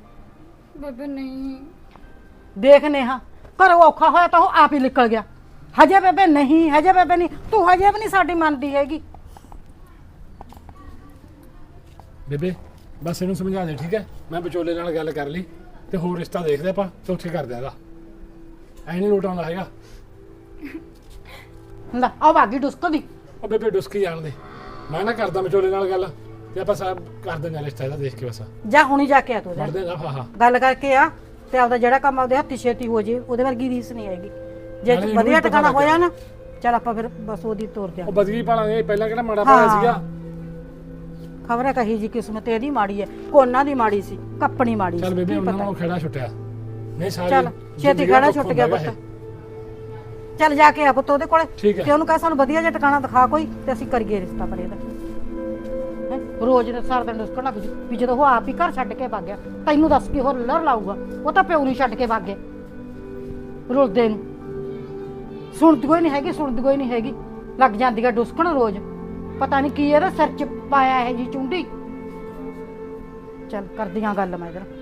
[SPEAKER 2] ਬੇਬੇ ਨਹੀਂ।
[SPEAKER 3] ਦੇਖ ਨੇਹਾ, ਘਰੋਂ ਔਖਾ ਹੋਇਆ ਤਾਂ ਉਹ ਆਪ ਹੀ ਨਿਕਲ ਗਿਆ। ਹਜੇ ਬੇਬੇ ਨਹੀਂ, ਹਜੇ ਬੇਬੇ ਨਹੀਂ, ਤੂੰ ਹਜੇ ਵੀ ਨਹੀਂ ਸਾਡੀ ਮੰਨਦੀ ਹੈਗੀ।
[SPEAKER 1] ਬੇਬੇ ਬਸ ਇਹਨੂੰ ਸਮਝਾ ਦੇ ਠੀਕ ਹੈ, ਮੈਂ ਵਿਚੋਲੇ ਨਾਲ ਗੱਲ ਕਰ ਲਈ ਤੇ ਹੋਰ ਰਿਸ਼ਤਾ ਦੇਖਦੇ ਆਪਾਂ ਤੇ ਉੱਥੇ ਕਰਦੇ ਇਹਦਾ। ਐ ਨਹੀਂ ਲੋਟ ਆਉਂਦਾ ਹੈਗਾ।
[SPEAKER 3] ਲੈ ਆ ਬਾਗੀ ਡੁਸਕ ਦੀ।
[SPEAKER 1] ਉਹ ਬੇਬੇ ਡੁਸਕੀ ਜਾਣ ਦੇ, ਮੈਂ ਨਾ ਕਰਦਾ ਵਿਚੋਲੇ ਨਾਲ ਗੱਲ ਤੇ ਆਪਾਂ ਸਭ ਕਰ ਦਿੰਦੇ ਰਿਸ਼ਤਾ ਇਹਦਾ ਦੇਖ ਕੇ ਬਸ
[SPEAKER 3] ਜਾ ਹੁਣੀ ਜਾ ਕੇ ਆ ਤੂੰ, ਜਾ
[SPEAKER 1] ਵੜਦੇ ਨਾ। ਹਾਂ ਹਾਂ
[SPEAKER 3] ਗੱਲ ਕਰਕੇ ਆ ਤੇ ਆਪਦਾ ਜਿਹੜਾ ਕੰਮ ਆਪਦੇ ਹੱਥੀ ਛੇਤੀ ਹੋ ਜੇ, ਉਹਦੇ ਵਰਗੀ ਰੀਸ ਨਹੀਂ ਹੈਗੀ। ਜੇ
[SPEAKER 1] ਨਾਲੇ ਇਹਨੂੰ
[SPEAKER 3] ਵਧੀਆ
[SPEAKER 1] ਵੀ ਪਤਾ
[SPEAKER 3] ਟਿਕਾਣਾ
[SPEAKER 1] ਲੱਗ
[SPEAKER 3] ਹੋਇਆ ਨਾ ਚੱਲ ਆਪਾਂ ਫਿਰ ਬਸ ਉਹਦੀ ਤੋਰ
[SPEAKER 1] ਉਹ
[SPEAKER 3] ਦਿਆਂਗੇ।
[SPEAKER 1] ਬਦਗੀ ਪਾਲਾਂਗੇ, ਪਹਿਲਾਂ ਕਿਹੜਾ ਮਾੜਾ ਪਾਇਆ ਸੀਗਾ।
[SPEAKER 3] ਖਬਰ ਹੈ ਕਹੀ ਜੀ ਕਿਸਮਤ ਇਹਦੀ ਮਾੜੀ ਹੈ, ਕੋਨਾ ਦੀ ਮਾੜੀ ਸੀ, ਕੱਪਣੀ ਮਾੜੀ ਸੀ।
[SPEAKER 1] ਚੱਲ ਬੇਬੇ
[SPEAKER 3] ਕੀ
[SPEAKER 1] ਉਹਨਾਂ
[SPEAKER 3] ਪਤਾ।
[SPEAKER 1] ਨੂੰ ਖੇੜਾ ਛੁੱਟਿਆ ਨਹੀਂ ਸਾਰੀ
[SPEAKER 3] ਚੱਲ ਛੇਤੀ ਖੜਾ ਛੁੱਟ ਗਿਆ ਪੁੱਤ। ਚੱਲ ਜਾ ਕੇ ਆ ਪੁੱਤ ਉਹਦੇ ਕੋਲੇ
[SPEAKER 1] ਠੀਕ ਹੈ।
[SPEAKER 3] ਤੇ ਉਹਨੂੰ ਕਹ ਸਾਨੂੰ ਵਧੀਆ ਜਿਹਾ ਟਿਕਾਣਾ ਦਿਖਾ ਕੋਈ ਤੇ ਅਸੀਂ ਕਰੀਏ ਰਿਸ਼ਤਾ ਪਰ ਇਹਦਾ। ਹੈਂ? ਰੋਜ਼ ਦੇ ਸਾਰ ਦਿਨ ਉਸਕਣ ਲੱਗ ਜੂ ਵੀ ਜਦੋਂ ਉਹ ਆਪ ਹੀ ਘਰ ਛੱਡ ਕੇ ਵਗ ਗਿਆ, ਤੈਨੂੰ ਦੱਸ ਕੀ ਹੋਰ ਲੜ ਲਾਊਗਾ? ਉਹ ਤਾਂ ਪਿਓ ਨਹੀਂ ਛੱਡ ਕੇ ਵਗ ਗਿਆ ਰੁਲਦੇ ਨੂੰ। ਸੁਣਦੀ ਕੋਈ ਨਹੀਂ ਹੈਗੀ, ਸੁਣਦੀ ਕੋਈ ਨਹੀਂ ਹੈਗੀ, ਲੱਗ ਜਾਂਦੀ ਆ ਡੁਸਕਣ ਰੋਜ਼। ਪਤਾ ਨਹੀਂ ਕੀ ਇਹਦਾ ਸਿਰ ਚ ਪਾਇਆ ਇਹ ਜੀ ਚੁੰਡੀ। ਚੱਲ ਕਰਦੀਆਂ ਗੱਲ ਮੈਂ ਇਧਰ।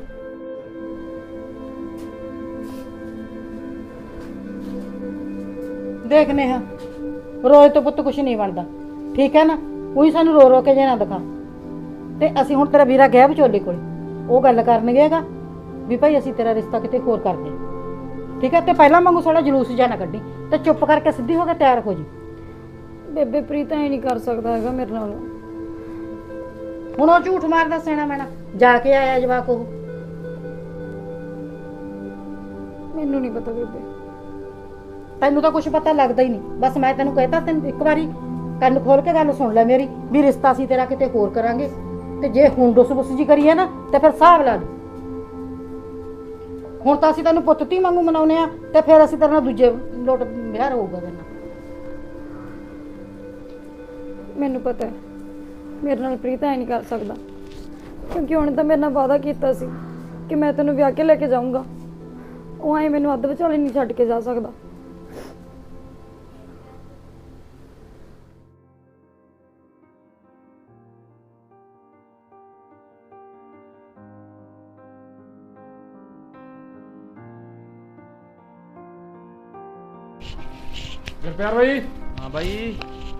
[SPEAKER 3] ਦੇਖਨੇ ਹਾਂ ਰੋਜ਼ ਤੋਂ ਪੁੱਤ ਕੁਛ ਨਹੀਂ ਬਣਦਾ, ਠੀਕ ਹੈ ਨਾ? ਉਹੀ ਸਾਨੂੰ ਰੋ ਰੋ ਕੇ ਜੇ ਨਾ ਦਿਖਾ। ਤੇ ਅਸੀਂ ਹੁਣ ਤੇਰਾ ਵੀਰਾ ਗਿਆ ਵਿਚੋਲੇ ਕੋਲ, ਉਹ ਗੱਲ ਕਰਨਗੇ ਹੈਗਾ ਵੀ ਭਾਈ ਅਸੀਂ ਤੇਰਾ ਰਿਸ਼ਤਾ ਕਿਤੇ ਹੋਰ ਕਰਦੇ, ਠੀਕ ਹੈ? ਤੇ ਪਹਿਲਾਂ ਵਾਂਗੂ ਸਾਡਾ ਜਲੂਸ ਜਾਂ ਨਾ ਕੱਢੀ ਤੇ ਚੁੱਪ ਕਰਕੇ ਸਿੱਧੀ ਹੋ ਕੇ ਤਿਆਰ ਹੋ ਜੀ।
[SPEAKER 2] ਬੇਬੇ ਪ੍ਰੀਤ ਐ ਨਹੀਂ ਕਰ ਸਕਦਾ ਹੈਗਾ ਮੇਰੇ ਨਾਲ।
[SPEAKER 3] ਹੁਣ ਉਹ ਝੂਠ ਮਾਰਦਾ ਸੈਣਾ ਮੈਣਾ ਜਾ ਕੇ ਆਇਆ ਜਵਾਕ। ਉਹ
[SPEAKER 2] ਮੈਨੂੰ ਨਹੀਂ ਪਤਾ ਬੇਬੇ।
[SPEAKER 3] ਤੈਨੂੰ ਤਾਂ ਕੁਝ ਪਤਾ ਲੱਗਦਾ ਹੀ ਨਹੀਂ। ਬਸ ਮੈਂ ਤੈਨੂੰ ਕਹਿਤਾ, ਤੈਨੂੰ ਇੱਕ ਵਾਰੀ ਕੰਨ ਖੋਲ ਕੇ ਗੱਲ ਸੁਣ ਲੈ ਮੇਰੀ, ਵੀ ਰਿਸ਼ਤਾ ਅਸੀਂ ਤੇਰਾ ਕਿਤੇ ਹੋਰ ਕਰਾਂਗੇ। ਤੇ ਜੇ ਹੁਣ ਡੁੱਸ ਬੁੱਸ ਜੀ ਕਰੀਏ ਨਾ ਤੇ ਫਿਰ ਹਿਸਾਬ ਲਾ ਲਈ। ਹੁਣ ਤਾਂ ਅਸੀਂ ਤੈਨੂੰ ਪੁੱਤ ਧੀ ਵਾਂਗੂ ਮਨਾਉਨੇ ਆ ਤੇ ਫਿਰ ਅਸੀਂ ਤੇਰੇ ਨਾਲ ਦੂਜੇ ਲੋਟ ਵਿਆਹ ਹੋਊਗਾ ਤੇਰੇ ਨਾਲ।
[SPEAKER 2] ਮੈਨੂੰ ਪਤਾ ਹੈ ਮੇਰੇ ਨਾਲ ਪ੍ਰੀਤ ਐ ਨਹੀਂ ਕਰ ਸਕਦਾ, ਕਿਉਂਕਿ ਉਹਨੇ ਤਾਂ ਮੇਰੇ ਨਾਲ ਵਾਅਦਾ ਕੀਤਾ ਸੀ ਕਿ ਮੈਂ ਤੈਨੂੰ ਵਿਆਹ ਕੇ ਲੈ ਕੇ ਜਾਊਂਗਾ। ਉਹ ਐ ਮੈਨੂੰ ਅੱਧ ਵਿਚਾਲੇ ਨਹੀਂ ਛੱਡ ਕੇ ਜਾ ਸਕਦਾ।
[SPEAKER 1] ਗੁਰਪਿਆਰ ਬਾਈ।
[SPEAKER 5] ਹਾਂ ਬਾਈ,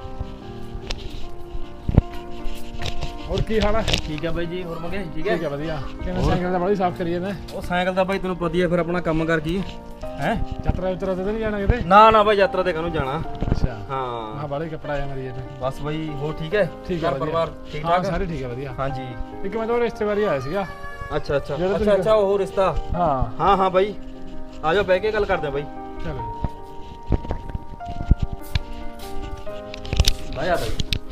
[SPEAKER 1] ਹੋਰ ਕੀ ਹਾਲ ਹੈ?
[SPEAKER 5] ਠੀਕ ਹੈ ਬਾਈ ਜੀ। ਹੋਰ ਮੰਗੇ ਠੀਕ ਹੈ?
[SPEAKER 1] ਠੀਕ ਹੈ ਵਧੀਆ। ਕਿਵੇਂ ਸਾਈਕਲ ਦਾ ਬੜੀ ਸਾਫ਼ ਕਰੀਏ ਨੇ?
[SPEAKER 5] ਉਹ ਸਾਈਕਲ ਦਾ ਬਾਈ ਤੈਨੂੰ ਪਤਾ ਹੀ ਹੈ ਫਿਰ ਆਪਣਾ ਕੰਮ ਕਰ ਕੀ ਹੈ।
[SPEAKER 1] ਯਾਤਰਾ ਉਤਰਾ ਤੇ ਨਹੀਂ ਜਾਣਾ ਕਿਤੇ?
[SPEAKER 5] ਨਾ ਨਾ ਬਾਈ ਯਾਤਰਾ ਤੇ ਕਾਹਨੂੰ ਜਾਣਾ।
[SPEAKER 1] ਅੱਛਾ
[SPEAKER 5] ਹਾਂ
[SPEAKER 1] ਹਾਂ ਬਾਲੇ ਕੱਪੜਾ ਆ ਮਰੀ
[SPEAKER 5] ਬਸ ਬਾਈ। ਹੋਰ ਠੀਕ ਹੈ?
[SPEAKER 1] ਠੀਕ ਹੈ
[SPEAKER 5] ਘਰ ਪਰਿਵਾਰ ਠੀਕ ਠਾਕ?
[SPEAKER 1] ਸਾਰੇ ਠੀਕ ਹੈ ਵਧੀਆ।
[SPEAKER 5] ਹਾਂਜੀ।
[SPEAKER 1] ਇੱਕ ਮੈਂ ਤਾਂ ਰਿਸ਼ਤੇਦਾਰੀ ਆਇਆ ਸੀਗਾ।
[SPEAKER 5] ਅੱਛਾ ਅੱਛਾ
[SPEAKER 1] ਜਿਹੜਾ
[SPEAKER 5] ਅੱਛਾ
[SPEAKER 1] ਤੁਸੀਂ-
[SPEAKER 5] ਅੱਛਾ ਉਹ ਰਿਸ਼ਤਾ।
[SPEAKER 1] ਹਾਂ
[SPEAKER 5] ਹਾਂ ਹਾਂ ਬਾਈ ਆ ਜਾਓ ਬਹਿ ਕੇ ਗੱਲ ਕਰਦੇ ਆ ਬਾਈ।
[SPEAKER 1] ਚਲੋ
[SPEAKER 5] ਬਾਈ ਆ ਬਾਈ।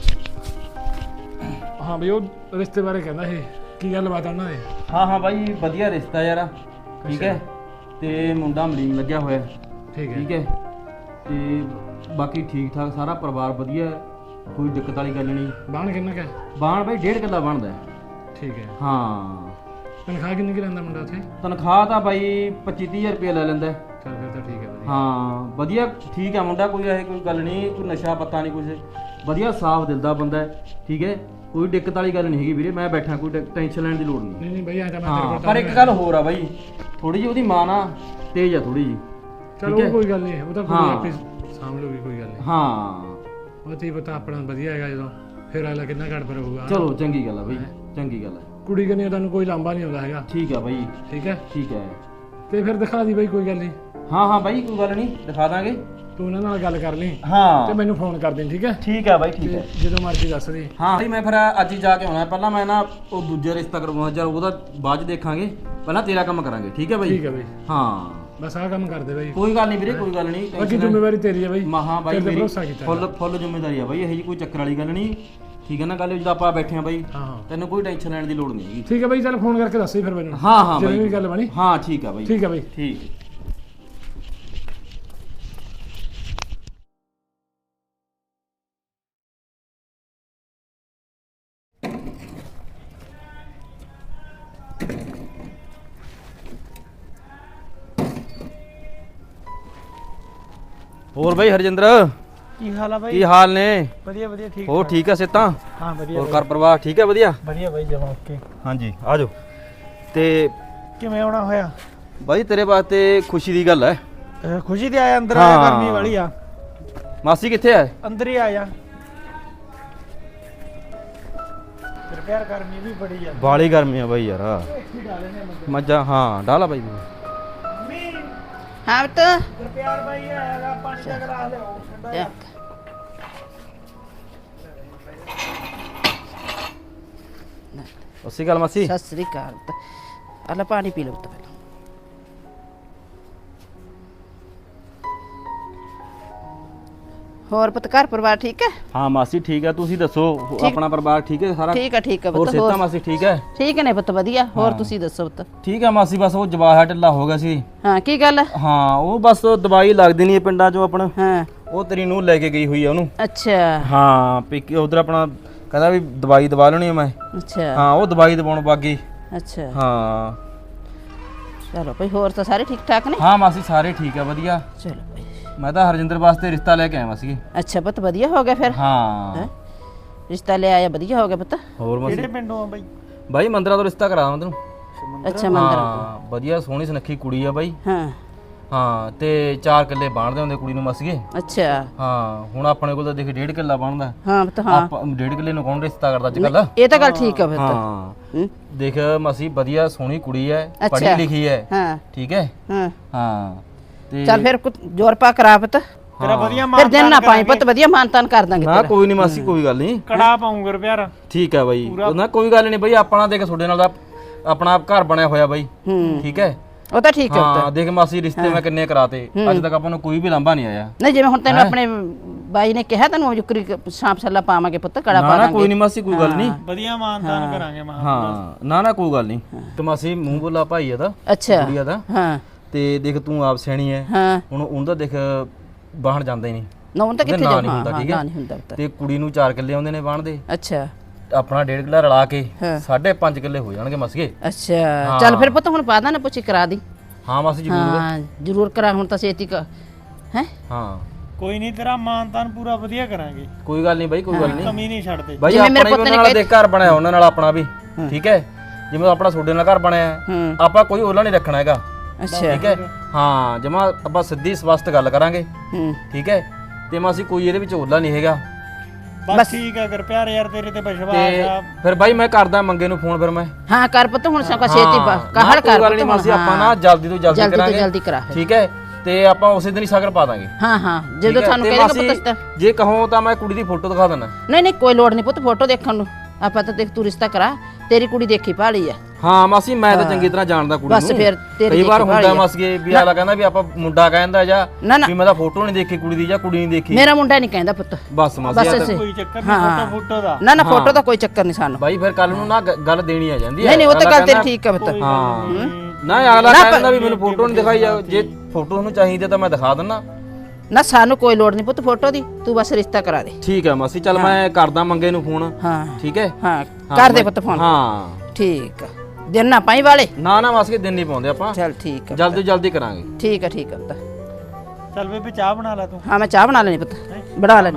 [SPEAKER 1] ਹਾਂ ਬਈ ਉਹ ਰਿਸ਼ਤੇ ਬਾਰੇ ਕਹਿੰਦਾ ਸੀ, ਕੀ ਗੱਲ ਬਾਤ ਉਹਨਾਂ ਦੇ?
[SPEAKER 5] ਹਾਂ ਹਾਂ ਬਾਈ ਵਧੀਆ ਰਿਸ਼ਤਾ ਯਾਰ, ਠੀਕ ਹੈ? ਤੇ ਮੁੰਡਾ ਮਲੀਨ ਲੱਗਿਆ ਹੋਇਆ,
[SPEAKER 1] ਠੀਕ ਹੈ
[SPEAKER 5] ਠੀਕ ਹੈ? ਤੇ ਬਾਕੀ ਠੀਕ ਠਾਕ ਸਾਰਾ ਪਰਿਵਾਰ ਵਧੀਆ, ਕੋਈ ਦਿੱਕਤ ਵਾਲੀ ਗੱਲ ਨਹੀਂ।
[SPEAKER 1] ਬਾਣ ਕਿੰਨਾ ਕਾ?
[SPEAKER 5] ਬਾਣ ਬਾਈ ਡੇਢ ਕਿੱਲਾ ਬਣਦਾ ਹੈ।
[SPEAKER 1] ਠੀਕ ਹੈ।
[SPEAKER 5] ਹਾਂ
[SPEAKER 1] ਤਨਖਾਹ ਕਿੰਨੀ ਕਿ ਲੈਂਦਾ ਮੁੰਡਾ ਉੱਥੇ?
[SPEAKER 5] ਤਨਖਾਹ ਤਾਂ ਬਾਈ ਪੱਚੀ ਤੀਹ ਹਜ਼ਾਰ ਰੁਪਏ ਲੈ ਲੈਂਦਾ ਹੈ।
[SPEAKER 1] ਚੱਲ ਫਿਰ ਤਾਂ ਠੀਕ ਹੈ ਵਧੀਆ।
[SPEAKER 5] ਹਾਂ ਵਧੀਆ ਠੀਕ ਹੈ ਮੁੰਡਾ, ਕੋਈ ਇਹ ਕੋਈ ਗੱਲ ਨਹੀਂ, ਕੋਈ ਨਸ਼ਾ ਪੱਤਾ ਨਹੀਂ ਕੁਝ, ਵਧੀਆ ਸਾਫ਼ ਦਿਲ ਦਾ ਬੰਦਾ ਹੈ, ਠੀਕ ਹੈ? ਕੋਈ ਦਿੱਕਤ ਵਾਲੀ ਗੱਲ ਨਹੀਂ ਹੈਗੀ ਵੀਰੇ, ਮੈਂ ਬੈਠਾ, ਕੋਈ ਟੈਨਸ਼ਨ ਲੈਣ ਦੀ ਲੋੜ ਨਹੀਂ।
[SPEAKER 1] ਨਹੀਂ ਨਹੀਂ ਬਈ ਆ ਤਾਂ ਮੈਂ
[SPEAKER 5] ਹਾਂ
[SPEAKER 1] ਤੇਰੇ ਕੋਲ
[SPEAKER 5] ਪਰ ਇੱਕ ਗੱਲ ਹੋਰ ਆ ਬਾਈ, ਥੋੜੀ ਜਿਹੀ ਉਹਦੀ ਮਾਂ ਨਾ ਤੇਜ਼ ਆ ਥੋੜੀ ਜਿਹੀ।
[SPEAKER 1] ਚਲੋ
[SPEAKER 5] ਠੀਕ ਹੈ?
[SPEAKER 1] ਕੋਈ ਗੱਲ ਨਹੀਂ, ਉਹ ਤਾਂ ਕੋਈ
[SPEAKER 5] ਹਾਂ।
[SPEAKER 1] ਆਪੇ ਸਾਂਭ ਲਊਗੀ, ਕੋਈ ਗੱਲ ਨਹੀਂ।
[SPEAKER 5] ਹਾਂ
[SPEAKER 1] ਉਹ ਤੀ ਪਤਾ ਆਪਣਾ ਵਧੀਆ ਹੈਗਾ, ਜਦੋਂ ਫਿਰ ਅਗਲਾ ਕਿੰਨਾ ਘੜ ਪਰ ਹੋਊਗਾ।
[SPEAKER 5] ਚਲੋ ਚੰਗੀ ਗੱਲ ਆ ਬਾਈ, ਚੰਗੀ ਗੱਲ ਹੈ।
[SPEAKER 1] ਕੁੜੀ ਕਨੀ ਤੁਹਾਨੂੰ ਕੋਈ ਲਾਂਭਾ ਨਹੀਂ ਆਉਂਦਾ ਹੈਗਾ।
[SPEAKER 5] ਠੀਕ ਆ ਬਾਈ,
[SPEAKER 1] ਠੀਕ ਹੈ
[SPEAKER 5] ਠੀਕ ਹੈ।
[SPEAKER 1] ਤੇ ਫਿਰ ਦਿਖਾ ਦੀ ਬਈ, ਕੋਈ ਗੱਲ ਨਹੀਂ।
[SPEAKER 5] ਹਾਂ ਹਾਂ ਬਾਈ ਕੋਈ ਗੱਲ ਨਹੀਂ, ਦਿਖਾ ਦਾਂਗੇ।
[SPEAKER 1] ਤੂੰ ਉਹਨਾਂ ਨਾਲ ਗੱਲ ਕਰ ਲਈ ਤੇ
[SPEAKER 5] ਹਾਂ
[SPEAKER 1] ਮੈਨੂੰ ਫੋਨ ਕਰ ਦੇ, ਠੀਕ ਹੈ?
[SPEAKER 5] ਠੀਕ ਹੈ ਬਾਈ, ਠੀਕ
[SPEAKER 1] ਤੇ
[SPEAKER 5] ਹੈ।
[SPEAKER 1] ਜਦੋਂ ਮਰਜ਼ੀ ਦੱਸ ਦੇ।
[SPEAKER 5] ਹਾਂ ਬਾਈ ਮੈਂ ਫਿਰ ਅੱਜ ਹੀ ਜਾ ਕੇ ਆਉਣਾ, ਪਹਿਲਾਂ ਮੈਂ ਨਾ ਉਹ ਦੂਜਾ ਰਿਸ਼ਤਾ ਕਰਵਾਉਣਾ, ਚਲ ਉਹਦਾ ਬਾਅਦ ਚ ਦੇਖਾਂਗੇ, ਪਹਿਲਾਂ ਤੇਰਾ ਕੰਮ ਕਰਾਂਗੇ, ਠੀਕ ਹੈ ਬਾਈ?
[SPEAKER 1] ਠੀਕ ਹੈ ਬਈ,
[SPEAKER 5] ਹਾਂ
[SPEAKER 1] ਬਸ ਆਹ ਕੰਮ ਕਰ ਦੇ ਬਈ।
[SPEAKER 5] ਕੋਈ ਗੱਲ ਨਹੀਂ ਵੀਰੇ, ਕੋਈ ਗੱਲ ਨਹੀਂ।
[SPEAKER 1] ਬਾਕੀ ਜ਼ਿੰਮੇਵਾਰੀ ਤੇਰੀ ਹੈ ਬਈ।
[SPEAKER 5] ਮਹਾ ਬਾਈ
[SPEAKER 1] ਤੇਰੇ ਤੇ
[SPEAKER 5] ਮੇਰੀ
[SPEAKER 1] ਭਰੋਸਾ ਕੀਤਾ
[SPEAKER 5] ਫੁੱਲ ਫੁੱਲ ਜ਼ਿੰਮੇਵਾਰੀ ਆ ਬਾਈ, ਇਹੋ ਜੀ ਕੋਈ ਚੱਕਰ ਵਾਲੀ ਗੱਲ ਨਹੀਂ, ਠੀਕ ਹੈ ਨਾ? ਗੱਲ ਜਦੋਂ ਆਪਾਂ ਬੈਠੇ ਆ ਬਾਈ,
[SPEAKER 1] ਹਾਂ ਹਾਂ
[SPEAKER 5] ਤੈਨੂੰ ਕੋਈ ਟੈਨਸ਼ਨ ਲੈਣ ਦੀ ਲੋੜ ਨਹੀਂ ਹੈਗੀ।
[SPEAKER 1] ਠੀਕ ਹੈ ਬਈ, ਚੱਲ ਫੋਨ ਕਰਕੇ ਦੱਸ ਦੇ ਫਿਰ ਮੈਨੂੰ।
[SPEAKER 5] ਹਾਂ ਹਾਂ
[SPEAKER 1] ਜਿਵੇਂ
[SPEAKER 5] ਬਾਈ
[SPEAKER 1] ਵੀ ਗੱਲ ਬਣੀ।
[SPEAKER 5] ਹਾਂ ਠੀਕ ਆ ਬਾਈ,
[SPEAKER 1] ਠੀਕ ਹੈ ਬਈ।
[SPEAKER 5] ਠੀਕ। ਹੋਰ ਬਾਈ ਹਰਜਿੰਦਰ
[SPEAKER 4] ਕੀ ਹਾਲ ਆ ਬਾਈ?
[SPEAKER 5] ਕੀ ਹਾਲ ਨੇ?
[SPEAKER 4] ਵਧੀਆ ਵਧੀਆ ਠੀਕ
[SPEAKER 5] ਹੋਰ ਠੀਕ ਆ ਸਿੱਤਾਂ?
[SPEAKER 4] ਹਾਂ ਵਧੀਆ
[SPEAKER 5] ਹੋਰ ਘਰ ਪਰਿਵਾਰ ਠੀਕ ਹੈ? ਵਧੀਆ
[SPEAKER 4] ਵਧੀਆ ਬਾਈ ਜਮਾ ਓਕੇ।
[SPEAKER 5] ਹਾਂਜੀ ਆ ਜਾਓ। ਤੇ
[SPEAKER 4] ਕਿਵੇਂ ਆਉਣਾ ਹੋਇਆ?
[SPEAKER 5] ਬਾਈ ਤੇਰੇ ਵਾਸਤੇ ਖੁਸ਼ੀ ਦੀ ਗੱਲ ਹੈ,
[SPEAKER 6] ਖੁਸ਼ੀ ਤੇ ਆਇਆ ਅੰਦਰ ਆਇਆ ਗਰਮੀ ਵਾਲੀ ਆ
[SPEAKER 5] ਮਾਸੀ ਕਿੱਥੇ ਐ?
[SPEAKER 6] ਅੰਦਰ ਹੀ ਆਇਆ ਤੇਰੇ ਪਿਆਰ ਗਰਮੀ ਵੀ ਬੜੀ ਆ
[SPEAKER 5] ਬਾਲੀ ਗਰਮੀ ਆ ਬਾਈ ਯਾਰ ਮੱਝਾਂ ਹਾਂ ਡਾਲਾ ਬਾਈ
[SPEAKER 3] ਹਾਂ ਬਤ
[SPEAKER 6] ਤੇਰੇ ਪਿਆਰ ਬਾਈ ਆਇਆਗਾ ਪਾਣੀ ਦਾ ਗਲਾਸ ਲਿਆਓ ਠੰਡਾ ਜਿਹਾ।
[SPEAKER 5] ਉਸੇ ਗੱਲ ਮਾਸੀ
[SPEAKER 3] ਸਤਿ ਸ੍ਰੀ ਅਕਾਲ ਅੱਲਾ ਪਾਣੀ ਪੀ ਲਓ ਪਹਿਲਾਂ ਹੋਰ ਪੁੱਤ ਘਰ ਪਰਿਵਾਰ ਠੀਕ ਹੈ
[SPEAKER 5] ਹਾਂ ਮਾਸੀ ਠੀਕ ਹੈ ਤੁਸੀਂ ਦੱਸੋ ਆਪਣਾ ਪਰਿਵਾਰ ਠੀਕ ਹੈ ਸਾਰਾ
[SPEAKER 3] ਠੀਕ ਹੈ ਠੀਕ ਹੈ
[SPEAKER 5] ਹੋਰ
[SPEAKER 3] ਪੁੱਤ
[SPEAKER 5] ਸੇਤਾ ਮਾਸੀ ਠੀਕ ਹੈ
[SPEAKER 3] ਠੀਕ ਨੇ ਪੁੱਤ ਵਧੀਆ ਹੋਰ ਤੁਸੀਂ ਦੱਸੋ ਪੁੱਤ
[SPEAKER 5] ਠੀਕ ਹੈ ਮਾਸੀ ਬਸ ਉਹ ਜਵਾਹਾ ਢਿੱਲਾ ਹੋ ਗਿਆ ਸੀ
[SPEAKER 3] ਹਾਂ ਕੀ ਗੱਲ
[SPEAKER 5] ਹਾਂ ਉਹ ਬਸ ਦਵਾਈ ਲੱਗਦੀ ਨਹੀਂ ਪਿੰਡਾਂ ਚੋਂ ਆਪਣਾ
[SPEAKER 3] ਹਾਂ
[SPEAKER 5] ਉਹ ਤੇਰੀ ਨੂੰ ਲੈ ਕੇ ਗਈ ਹੋਈ ਆ ਉਹਨੂੰ
[SPEAKER 3] ਅੱਛਾ
[SPEAKER 5] ਹਾਂ ਪੀਕੇ ਉਧਰ ਆਪਣਾ ਕਹਿੰਦਾ ਵੀ ਦਵਾਈ ਦਵਾ ਲੈਣੀ ਆ ਮੈਂ
[SPEAKER 3] ਅੱਛਾ
[SPEAKER 5] ਹਾਂ ਉਹ ਦਵਾਈ ਦਵਾਉਣ ਬਾਗੀ
[SPEAKER 3] ਅੱਛਾ
[SPEAKER 5] ਹਾਂ
[SPEAKER 3] ਚਲੋ ਭਾਈ ਹੋਰ ਤਾਂ ਸਾਰੇ ਠੀਕ ਠਾਕ ਨੇ
[SPEAKER 5] ਹਾਂ ਮਾਸੀ ਸਾਰੇ ਠੀਕ ਆ ਵਧੀਆ
[SPEAKER 3] ਚਲੋ ਭਾਈ
[SPEAKER 5] ਮੈਂ ਤਾਂ ਹਰਜਿੰਦਰ ਵਾਸਤੇ ਰਿਸ਼ਤਾ ਲੈ ਕੇ ਆਇਆ ਸੀ
[SPEAKER 3] ਅੱਛਾ ਪੁੱਤ ਵਧੀਆ ਹੋ ਗਿਆ ਫਿਰ
[SPEAKER 5] ਹਾਂ
[SPEAKER 3] ਹੈਂ? ਰਿਸ਼ਤਾ ਲੈ ਆਇਆ ਵਧੀਆ ਹੋ ਗਿਆ ਪੁੱਤ
[SPEAKER 5] ਹੋਰ ਮਾਸੀ
[SPEAKER 6] ਕਿਹੜੇ ਪਿੰਡੋਂ ਆ ਬਾਈ
[SPEAKER 5] ਬਾਈ ਮੰਦਰਾ ਤੋਂ ਰਿਸ਼ਤਾ ਕਰਾਵਾਂ ਤੈਨੂੰ
[SPEAKER 3] ਅੱਛਾ ਮੰਦਰ
[SPEAKER 5] ਹਾਂ ਵਧੀਆ ਸੋਹਣੀ ਸੁਨੱਖੀ ਕੁੜੀ ਆ ਬਾਈ
[SPEAKER 3] ਹਾਂ
[SPEAKER 5] ਹਾਂ ਤੇ ਚਾਰ ਕਿੱਲੇ ਬਾਣਦੇ ਹੁੰਦੇ ਕੁੜੀ ਨੂੰ ਮਸੀਏ
[SPEAKER 3] ਅੱਛਾ
[SPEAKER 5] ਹਾਂ ਹੁਣ ਆਪਣੇ ਕੋਲ ਤਾਂ ਦੇਖ ਡੇਢ ਕਿੱਲਾ ਬਣਦਾ
[SPEAKER 3] ਹਾਂ ਪੁੱਤ ਹਾਂ
[SPEAKER 5] ਆਪਾਂ ਡੇਢ ਕਿੱਲੇ ਨੂੰ ਕੌਣ ਰਿਸ਼ਤਾ ਕਰਦਾ ਅੱਜ ਕੱਲ
[SPEAKER 3] ਇਹ ਤਾਂ ਗੱਲ ਠੀਕ ਆ ਪੁੱਤ
[SPEAKER 5] ਹਾਂ
[SPEAKER 3] ਹੂੰ?
[SPEAKER 5] ਦੇਖ ਮਸੀ ਵਧੀਆ ਸੋਹਣੀ ਕੁੜੀ ਐ
[SPEAKER 3] ਅੱਛਾ।
[SPEAKER 5] ਪੜ੍ਹੀ ਲਿਖੀ ਐ
[SPEAKER 3] ਹਾਂ
[SPEAKER 5] ਠੀਕ ਹੈ
[SPEAKER 3] ਹਾਂ
[SPEAKER 5] ਹਾਂ ਤੇ
[SPEAKER 3] ਚੱਲ ਫਿਰ ਕੁ- ਜ਼ੋਰ ਪਾ ਕਰਾ ਪੁੱਤ
[SPEAKER 6] ਤੇਰਾ ਵਧੀਆ
[SPEAKER 3] ਫਿਰ ਦਿਨ ਨਾ ਪਾਈ ਪੁੱਤ ਵਧੀਆ ਮਾਨਤਾਨ ਕਰ ਦਾਂਗੇ
[SPEAKER 5] ਨਾ
[SPEAKER 3] ਤੇਰਾ
[SPEAKER 5] ਕੋਈ ਨਹੀਂ ਮਾਸੀ ਕੋਈ ਗੱਲ ਨਹੀਂ
[SPEAKER 6] ਕੜਾ ਪਾਉਂਗਾ ਪਿਆਰ
[SPEAKER 5] ਠੀਕ ਹੈ ਬਾਈ ਨਾ ਕੋਈ ਗੱਲ ਨਹੀਂ ਬਾਈ ਆਪਣਾ ਦੇਖ ਤੁਹਾਡੇ ਨਾਲ ਦਾ ਆਪਣਾ ਘਰ ਬਣਿਆ ਹੋਇਆ ਬਾਈ
[SPEAKER 3] ਹੂੰ
[SPEAKER 5] ਠੀਕ ਹੈ
[SPEAKER 3] ਉਹ ਤਾਂ ਠੀਕ ਹੈ ਪੁੱਤ
[SPEAKER 5] ਹਾਂ ਦੇਖ ਮਾਸੀ ਰਿਸ਼ਤੇ ਮੈਂ ਕਿੰਨੇ ਕਰਾਤੇ ਅੱਜ ਤੱਕ ਆਪਾਂ ਨੂੰ ਕੋਈ ਵੀ ਲਾਂਭਾ ਨਹੀਂ ਆਇਆ
[SPEAKER 3] ਨਹੀਂ ਜਿਵੇਂ ਹੁਣ ਤੈਨੂੰ ਆਪਣੇ ਬਾਈ ਨੇ ਕਿਹਾ ਤੈਨੂੰ ਜੁਕਰੀ ਸਾਂਪ ਛੱਲਾ ਪਾਵਾਂਗੇ ਪੁੱਤ ਕੜਾ ਪਾ
[SPEAKER 5] ਨਾ ਨਾ
[SPEAKER 3] ਦਾਂਗੇ
[SPEAKER 5] ਕੋਈ ਨਹੀਂ ਮਾਸੀ ਕੋਈ ਗੱਲ ਨਹੀਂ
[SPEAKER 6] ਵਧੀਆ ਮਾਨਦਾਨ ਕਰਾਂਗੇ ਮਾ
[SPEAKER 5] ਹਾਂ ਨਾ ਨਾ ਕੋਈ ਗੱਲ ਨਹੀਂ ਤੇ ਮਾਸੀ ਮੂੰਹ ਬੋਲਾ ਭਾਈ ਇਹਦਾ
[SPEAKER 3] ਅੱਛਾ
[SPEAKER 5] ਕੁੜੀਆ ਦਾ
[SPEAKER 3] ਹਾਂ
[SPEAKER 5] ਤੇ ਦੇਖ ਤੂੰ ਆਪ ਸਿਆਣੀ ਐ
[SPEAKER 3] ਹਾਂ
[SPEAKER 5] ਹੁਣ ਉਹਦਾ ਦੇਖ ਬਾਹਣ ਜਾਂਦਾ ਹੀ ਨਹੀਂ
[SPEAKER 3] ਨਾ ਹੁਣ ਤਾਂ ਕਿੱਥੇ
[SPEAKER 5] ਨਾਂ
[SPEAKER 3] ਜਾ
[SPEAKER 5] ਨਹੀਂ ਹੁੰਦਾ,
[SPEAKER 3] ਹਾਂ
[SPEAKER 5] ਠੀਕ ਹੈ?
[SPEAKER 3] ਨਾ ਨਹੀਂ ਹੁੰਦਾ ਪੁੱਤ
[SPEAKER 5] ਤੇ ਕੁੜੀ ਨੂੰ ਚਾਰ ਕਿੱਲੇ ਆਉਂਦੇ ਨੇ ਬਾਹਣ ਦੇ
[SPEAKER 3] ਅੱਛਾ
[SPEAKER 5] ਆਪਣਾ ਡੇਢ ਕਿੱਲਾ ਰਲਾ ਕੇ
[SPEAKER 3] ਹਾਂ।
[SPEAKER 5] ਸਾਢੇ ਪੰਜ ਕਿੱਲੇ ਹੋ ਜਾਣਗੇ ਮਸਗੇ
[SPEAKER 3] ਅੱਛਾ ਚੱਲ ਫਿਰ ਪੁੱਤ ਹੁਣ ਪਾਦਾ ਨਾ ਪੁੱਛੀ ਕਰਾ ਦੀ
[SPEAKER 5] ਹਾਂ ਮਾਸੀ ਜ਼ਰੂਰ
[SPEAKER 3] ਹਾਂ ਜ਼ਰੂਰ ਕਰਾ ਹੁਣ ਤਾਂ ਛੇਤੀ ਕ ਹੈ
[SPEAKER 5] ਹਾਂ
[SPEAKER 6] ਕੋਈ ਨਹੀਂ ਤੇਰਾ ਮਾਨਦਾਨ ਪੂਰਾ ਵਧੀਆ ਕਰਾਂਗੇ
[SPEAKER 5] ਕੋਈ ਗੱਲ ਨਹੀਂ ਬਾਈ ਕੋਈ ਗੱਲ ਨਹੀਂ
[SPEAKER 6] ਕਮੀ ਨਹੀਂ ਛੱਡਦੇ
[SPEAKER 5] ਬਾਈ
[SPEAKER 3] ਜਿਵੇਂ ਮੇਰੇ
[SPEAKER 5] ਆਪਣਾ
[SPEAKER 3] ਪੁੱਤ
[SPEAKER 5] ਵੀ
[SPEAKER 3] ਨੇ
[SPEAKER 5] ਉਹਨਾਂ ਨਾਲ ਦੇਖ ਘਰ ਬਣਾਇਆ ਉਹਨਾਂ ਨਾਲ ਆਪਣਾ ਵੀ ਠੀਕ ਹੈ ਜਿਵੇਂ ਆਪਣਾ ਤੁਹਾਡੇ ਨਾਲ ਘਰ ਬਣਿਆ ਹੈ,
[SPEAKER 3] ਹੂੰ
[SPEAKER 5] ਆਪਾਂ ਕੋਈ ਓਲਾ ਨਹੀਂ ਰੱਖਣਾ ਹੈਗਾ
[SPEAKER 3] ਅੱਛਾ
[SPEAKER 5] ਠੀਕ ਹੈ ਹਾਂ ਜਮਾ ਆਪਾਂ ਸਿੱਧੀ ਸਪਸ਼ਟ ਗੱਲ ਕਰਾਂਗੇ
[SPEAKER 3] ਹੂੰ
[SPEAKER 5] ਠੀਕ ਹੈ ਤੇ ਮਾਸੀ ਕੋਈ ਇਹਦੇ ਵਿੱਚ ਓਲਾ ਨਹੀਂ ਹੈਗਾ
[SPEAKER 6] ਬਸ ਠੀਕ ਆ ਕਰ ਪਿਆਰ ਯਾਰ ਤੇਰੇ ਤੇ ਵਿਸ਼ਵਾਸ
[SPEAKER 5] ਤੇ
[SPEAKER 6] ਆ
[SPEAKER 5] ਫਿਰ ਬਾਈ ਮੈਂ ਕਰਦਾ ਮੰਗੇ ਨੂੰ ਫੋਨ ਫਿਰ ਮੈਂ
[SPEAKER 3] ਹਾਂ ਕਰ ਪੁੱਤ ਹੁਣ ਸੌਕਾ ਛੇਤੀ
[SPEAKER 5] ਹਾਂ,
[SPEAKER 3] ਕਾਹਲ
[SPEAKER 5] ਨਾ ਕੋਈ
[SPEAKER 3] ਕਰ
[SPEAKER 5] ਗੱਲ
[SPEAKER 3] ਪੁੱਤ
[SPEAKER 5] ਨਹੀਂ
[SPEAKER 3] ਹੁਣ,
[SPEAKER 5] ਮਾਸੀ ਆਪਾਂ
[SPEAKER 3] ਹਾਂ।
[SPEAKER 5] ਨਾ ਜਲਦੀ ਤੋਂ ਜਲਦੀ
[SPEAKER 3] ਜਲਦੀ ਤੋਂ
[SPEAKER 5] ਕਰਾਂਗੇ
[SPEAKER 3] ਜਲਦੀ ਕਰਾ ਫਿਰ।
[SPEAKER 5] ਠੀਕ ਹੈ ਤੇ ਆਪਾਂ ਉਸੇ ਦਿਨ ਹੀ ਸ਼ਗਨ ਪਾ ਦਾਂਗੇ
[SPEAKER 3] ਹਾਂ ਹਾਂ
[SPEAKER 5] ਠੀਕ
[SPEAKER 3] ਜਦੋਂ
[SPEAKER 5] ਹੈ?
[SPEAKER 3] ਤੁਹਾਨੂੰ
[SPEAKER 5] ਤੇ
[SPEAKER 3] ਕਹਿੰਦੇ
[SPEAKER 5] ਮਾਸੀ,
[SPEAKER 3] ਪੁੱਤ ਤਾਂ
[SPEAKER 5] ਜੇ ਕਹੋ ਤਾਂ ਮੈਂ ਕੁੜੀ ਦੀ ਫੋਟੋ ਦਿਖਾ ਦਿੰਦਾ
[SPEAKER 3] ਨਹੀਂ ਨਹੀਂ ਕੋਈ ਲੋੜ ਨਹੀਂ ਪੁੱਤ ਫੋਟੋ ਦੇਖਣ ਨੂੰ ਆਪਾਂ ਤਾਂ ਦੇਖ ਤੂੰ ਰਿਸ਼ਤਾ ਕਰਾ ਤੇਰੀ ਕੁੜੀ ਦੇਖੀ ਭਾਲੀ ਆ
[SPEAKER 5] ਹਾਂ ਮਾਸੀ ਮੈਂ ਤਾਂ ਚੰਗੀ ਤਰ੍ਹਾਂ ਜਾਣਦਾ ਕੁੜੀ ਨੂੰ
[SPEAKER 3] ਬਸ ਫਿਰ ਤੇਰੀ
[SPEAKER 5] ਕਈ ਵਾਰ
[SPEAKER 3] ਦੇਖੀ
[SPEAKER 5] ਹੁੰਦਾ
[SPEAKER 3] ਭਾਲੀ ਆ।
[SPEAKER 5] ਮਾਸੀਏ ਵੀ ਆਲਾ ਕਹਿੰਦਾ ਵੀ ਆਪਾਂ ਮੁੰਡਾ ਕਹਿੰਦਾ ਜਾਂ
[SPEAKER 3] ਨਾ ਨਾ
[SPEAKER 5] ਵੀ ਮੈਂ ਤਾਂ ਫੋਟੋ ਨਹੀਂ ਦੇਖੀ ਕੁੜੀ ਦੀ ਜਾਂ ਕੁੜੀ ਨਹੀਂ ਦੇਖੀ
[SPEAKER 3] ਮੇਰਾ ਮੁੰਡਾ ਨਹੀਂ ਕਹਿੰਦਾ ਪੁੱਤ
[SPEAKER 5] ਬਸ ਮਾਸੀ
[SPEAKER 3] ਬਸ
[SPEAKER 5] ਆ ਤਾਂ-
[SPEAKER 3] ਅਸੀਂ
[SPEAKER 6] ਕੋਈ ਚੱਕਰ
[SPEAKER 3] ਹਾਂ,
[SPEAKER 6] ਨਹੀਂ
[SPEAKER 3] ਹਾਂ।
[SPEAKER 6] ਫੋਟੋ ਫੋਟੋ ਦਾ
[SPEAKER 3] ਨਾ ਨਾ ਫੋਟੋ ਦਾ ਕੋਈ ਚੱਕਰ ਨਹੀਂ ਸਾਨੂੰ
[SPEAKER 5] ਬਾਈ ਫਿਰ ਕੱਲ ਨੂੰ ਨਾ ਗ- ਗੱਲ ਦੇਣੀ ਆ ਜਾਂਦੀ ਹੈ
[SPEAKER 3] ਨਹੀਂ ਨਹੀਂ ਉਹ ਤਾਂ
[SPEAKER 5] ਅਗਲਾ
[SPEAKER 3] ਗੱਲ ਤੇਰੀ
[SPEAKER 5] ਕਹਿੰਦਾ-
[SPEAKER 3] ਠੀਕ ਹੈ ਪੁੱਤ
[SPEAKER 5] ਹਾਂ ਨਾ ਅਗਲਾ ਕਹਿੰਦਾ ਵੀ ਮੈਨੂੰ ਫੋਟੋ ਨਹੀਂ ਦਿਖਾਈ ਜਾ ਜੇ ਫੋਟੋ ਉਹਨੂੰ ਚਾਹੀਦੀ ਤਾਂ ਮੈਂ ਦਿਖਾ ਦਿੰਦਾ
[SPEAKER 3] ਨਾ ਸਾਨੂੰ ਕੋਈ ਲੋੜ ਨਹੀਂ ਪੁੱਤ ਫੋਟੋ ਦੀ ਤੂੰ ਬਸ ਰਿਸ਼ਤਾ ਕਰਾ ਦੇ
[SPEAKER 5] ਠੀਕ ਹੈ ਮਾਸੀ ਚੱਲ ਮੈਂ ਕਰਦਾ ਮੰਗੇ ਨੂੰ ਫੋਨ
[SPEAKER 3] ਹਾਂ
[SPEAKER 5] ਠੀਕ ਹੈ
[SPEAKER 3] ਹਾਂ
[SPEAKER 5] ਹਾਂ,
[SPEAKER 3] ਕਰ ਦੇ
[SPEAKER 5] ਮੈਂ-
[SPEAKER 3] ਪੁੱਤ ਫੋਨ
[SPEAKER 5] ਹਾਂ
[SPEAKER 3] ਠੀਕ ਆ ਦਿਨ ਨਾ ਪਾਈ ਵਾਲੇ
[SPEAKER 5] ਨਾ ਨਾ ਮਾਸੀ ਦਿਨ ਨਹੀਂ ਪਾਉਂਦੇ ਆਪਾਂ
[SPEAKER 3] ਚੱਲ ਠੀਕ ਆ
[SPEAKER 5] ਜਲਦੀ ਜਲਦੀ ਕਰਾਂਗੇ
[SPEAKER 3] ਠੀਕ ਆ ਠੀਕ ਆ ਪੁੱਤ
[SPEAKER 6] ਚੱਲ ਬੇਬੇ ਚਾਹ ਬਣਾ ਲੈ ਤੂੰ
[SPEAKER 3] ਹਾਂ ਮੈਂ ਚਾਹ ਬਣਾ ਲੈਣੀ ਪੁੱਤ ਬਣਾ ਲੈਣੀ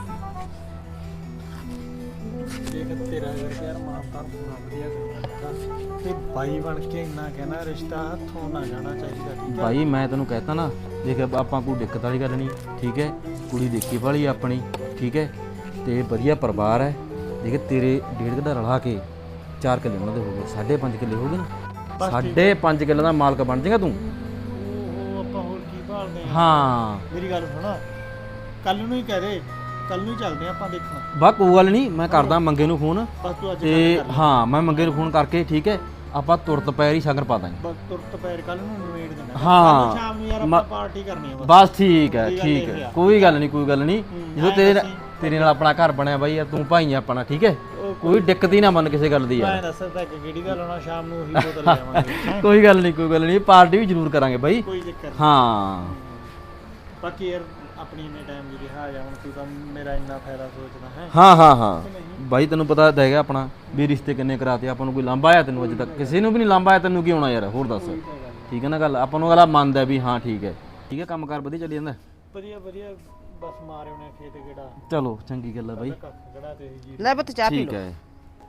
[SPEAKER 6] ਦੇਖ ਤੇਰਾ ਅਗਰ ਯਾਰ ਮਾਨਦਾਨ ਪੂਰਾ ਵਧੀਆ ਕਰਨਾ ਤੇ ਬਾਈ ਬਣ ਕੇ ਇੰਨਾ ਕਹਿਣਾ ਰਿਸ਼ਤਾ ਹੱਥੋਂ ਨਾ ਜਾਣਾ ਚਾਹੀਦਾ ਠੀਕ ਆ
[SPEAKER 5] ਭਾਈ ਮੈਂ ਤੈਨੂੰ ਕਹਿਤਾ ਨਾ ਦੇਖ ਆਪਾਂ ਕੋਈ ਦਿੱਕਤ ਵਾਲੀ ਗੱਲ ਨਹੀਂ ਠੀਕ ਹੈ ਕੁੜੀ ਦੇਖੀ ਵਾਲੀ ਆਪਣੀ ਠੀਕ ਹੈ ਤੇ ਵਧੀਆ ਪਰਿਵਾਰ ਹੈ ਦੇਖ ਤੇਰੇ ਡੇਢ ਕਿੱਲਾ ਰਲਾ ਕੇ ਚਾਰ ਕਿੱਲੇ ਉਹਨਾਂ ਦੇ ਹੋ ਗਏ ਸਾਢੇ ਪੰਜ ਕਿੱਲੇ ਹੋ ਗਏ ਨਾ ਸਾਢੇ ਪੰਜ ਕਿੱਲੇ ਦਾ ਮਾਲਕ ਬਣ ਜਾਏਗਾ ਤੂੰ
[SPEAKER 6] ਉਹ ਆਪਾਂ ਹੋਰ ਕੀ ਭਾਲਦੇ ਆ
[SPEAKER 5] ਹਾਂ
[SPEAKER 6] ਮੇਰੀ ਗੱਲ ਸੁਣ ਕੱਲ ਨੂੰ ਹੀ ਕਹਿ ਦੇ ਕੱਲ ਨੂੰ ਹੀ ਚੱਲਦੇ ਆ ਆਪਾਂ ਦੇਖਣ
[SPEAKER 5] ਬਾ ਕੋਈ ਗੱਲ ਨਹੀਂ ਮੈਂ ਕਰਦਾ ਮੰਗੇ ਨੂੰ ਫੋਨ
[SPEAKER 6] ਬਸ ਤੂੰ ਅੱਜ
[SPEAKER 5] ਤੇ
[SPEAKER 6] ਗੱਲ ਕਰ ਲੈ।
[SPEAKER 5] ਹਾਂ ਮੈਂ ਮੰਗੇ ਨੂੰ ਫੋਨ ਕਰਕੇ ਠੀਕ ਹੈ ਆਪਾਂ ਤੁਰਤ ਪੈਰ ਹੀ ਸ਼ਗਨ ਪਾ ਦਾਂਗੇ
[SPEAKER 6] ਬਸ ਤੁਰਤ ਪੈਰ ਕੱਲ ਨੂੰ ਨਿਬੇੜ ਦੇਣਾ
[SPEAKER 5] ਹਾਂ।
[SPEAKER 6] ਕੱਲ੍ਹ ਸ਼ਾਮ ਨੂੰ ਯਾਰ
[SPEAKER 5] ਮ-
[SPEAKER 6] ਆਪਾਂ ਪਾਰਟੀ ਕਰਨੀ ਆ ਬਸ
[SPEAKER 5] ਬਸ ਠੀਕ ਹੈ
[SPEAKER 6] ਕੋਈ ਗੱਲ
[SPEAKER 5] ਠੀਕ
[SPEAKER 6] ਨਹੀਂ
[SPEAKER 5] ਹੈ
[SPEAKER 6] ਆ।
[SPEAKER 5] ਕੋਈ ਗੱਲ ਨਹੀਂ ਕੋਈ ਗੱਲ ਨਹੀਂ ਜਦੋਂ
[SPEAKER 6] ਐਂ
[SPEAKER 5] ਤੇਰੇ
[SPEAKER 6] ਦੱਸੀ।
[SPEAKER 5] ਤੇਰੇ ਨਾਲ ਆਪਣਾ ਘਰ ਬਣਿਆ ਬਾਈ ਯਾਰ ਤੂੰ ਭਾਈ ਆ ਆਪਣਾ ਠੀਕ ਹੈ
[SPEAKER 6] ਉਹ
[SPEAKER 5] ਕੋਈ ਦਿੱਕਤ ਹੀ ਨਾ ਮੰਨ ਕਿਸੇ ਗੱਲ ਦੀ
[SPEAKER 6] ਮੈਂ
[SPEAKER 5] ਯਾਰ
[SPEAKER 6] ਦੱਸਦਾ ਕਿ ਕਿਹੜੀ ਦਾ ਲਾਉਣਾ ਸ਼ਾਮ ਨੂੰ ਉਹੀ ਬੋਤਲ ਲੈ ਆਵਾਂਗੇ ਹੈਂ?
[SPEAKER 5] ਕੋਈ ਗੱਲ ਨਹੀਂ ਕੋਈ ਗੱਲ ਨਹੀਂ ਪਾਰਟੀ ਵੀ ਜ਼ਰੂਰ ਕਰਾਂਗੇ ਬਾਈ
[SPEAKER 6] ਕੋਈ ਚੱਕਰ ਨਹੀਂ
[SPEAKER 5] ਹਾਂ
[SPEAKER 6] ਬਾਕੀ ਯਾਰ ਆਪਣੀ ਇੰਨੇ ਟਾਈਮ ਦੀ ਰਿਹਾ ਜਾ ਹੁਣ ਤੂੰ ਤਾਂ ਮੇਰਾ ਇੰਨਾ ਫਾਇਦਾ ਸੋਚਦਾ ਹੈ
[SPEAKER 5] ਹਾਂ ਹਾਂ ਹਾਂ ਬਾਈ ਤੈਨੂੰ ਪਤਾ ਤਾਂ ਹੈਗਾ ਆਪਣਾ ਵੀ ਰਿਸ਼ਤੇ ਕਿੰਨੇ ਕਰਾਤੇ ਆਪਾਂ ਨੂੰ ਕੋਈ ਲਾਂਭਾ ਆਇਆ ਤੈਨੂੰ ਅੱਜ ਤੱਕ ਕਿਸੇ ਨੂੰ ਵੀ ਨਹੀਂ ਲਾਂਭਾ ਆਇਆ ਤੈਨੂੰ ਕੀ ਹੋਣਾ ਯਾਰ ਹੋਰ ਦੱਸ ਠੀਕ ਹੈ ਨਾ ਗੱਲ ਆਪਾਂ ਨੂੰ ਅਗਲਾ ਮੰਨਦਾ ਵੀ ਹਾਂ ਠੀਕ ਹੈ ਠੀਕ ਹੈ ਕੰਮ ਕਾਰ ਵਧੀਆ ਚੱਲੀ ਜਾਂਦਾ
[SPEAKER 6] ਵਧੀਆ ਵਧੀਆ ਬਸ ਮਾਰੇ ਉਹਨੇ ਖੇਤ ਗੇੜਾ
[SPEAKER 5] ਚਲੋ ਚੰਗੀ ਗੱਲ ਹੈ ਬਾਈ
[SPEAKER 6] ਕੱਖ ਗੜਾ ਤੇ ਜੀ
[SPEAKER 3] ਲੈ ਪੁੱਤ ਚਾਹ ਪੀ
[SPEAKER 5] ਠੀਕ
[SPEAKER 3] ਲਓ
[SPEAKER 5] ਹੈ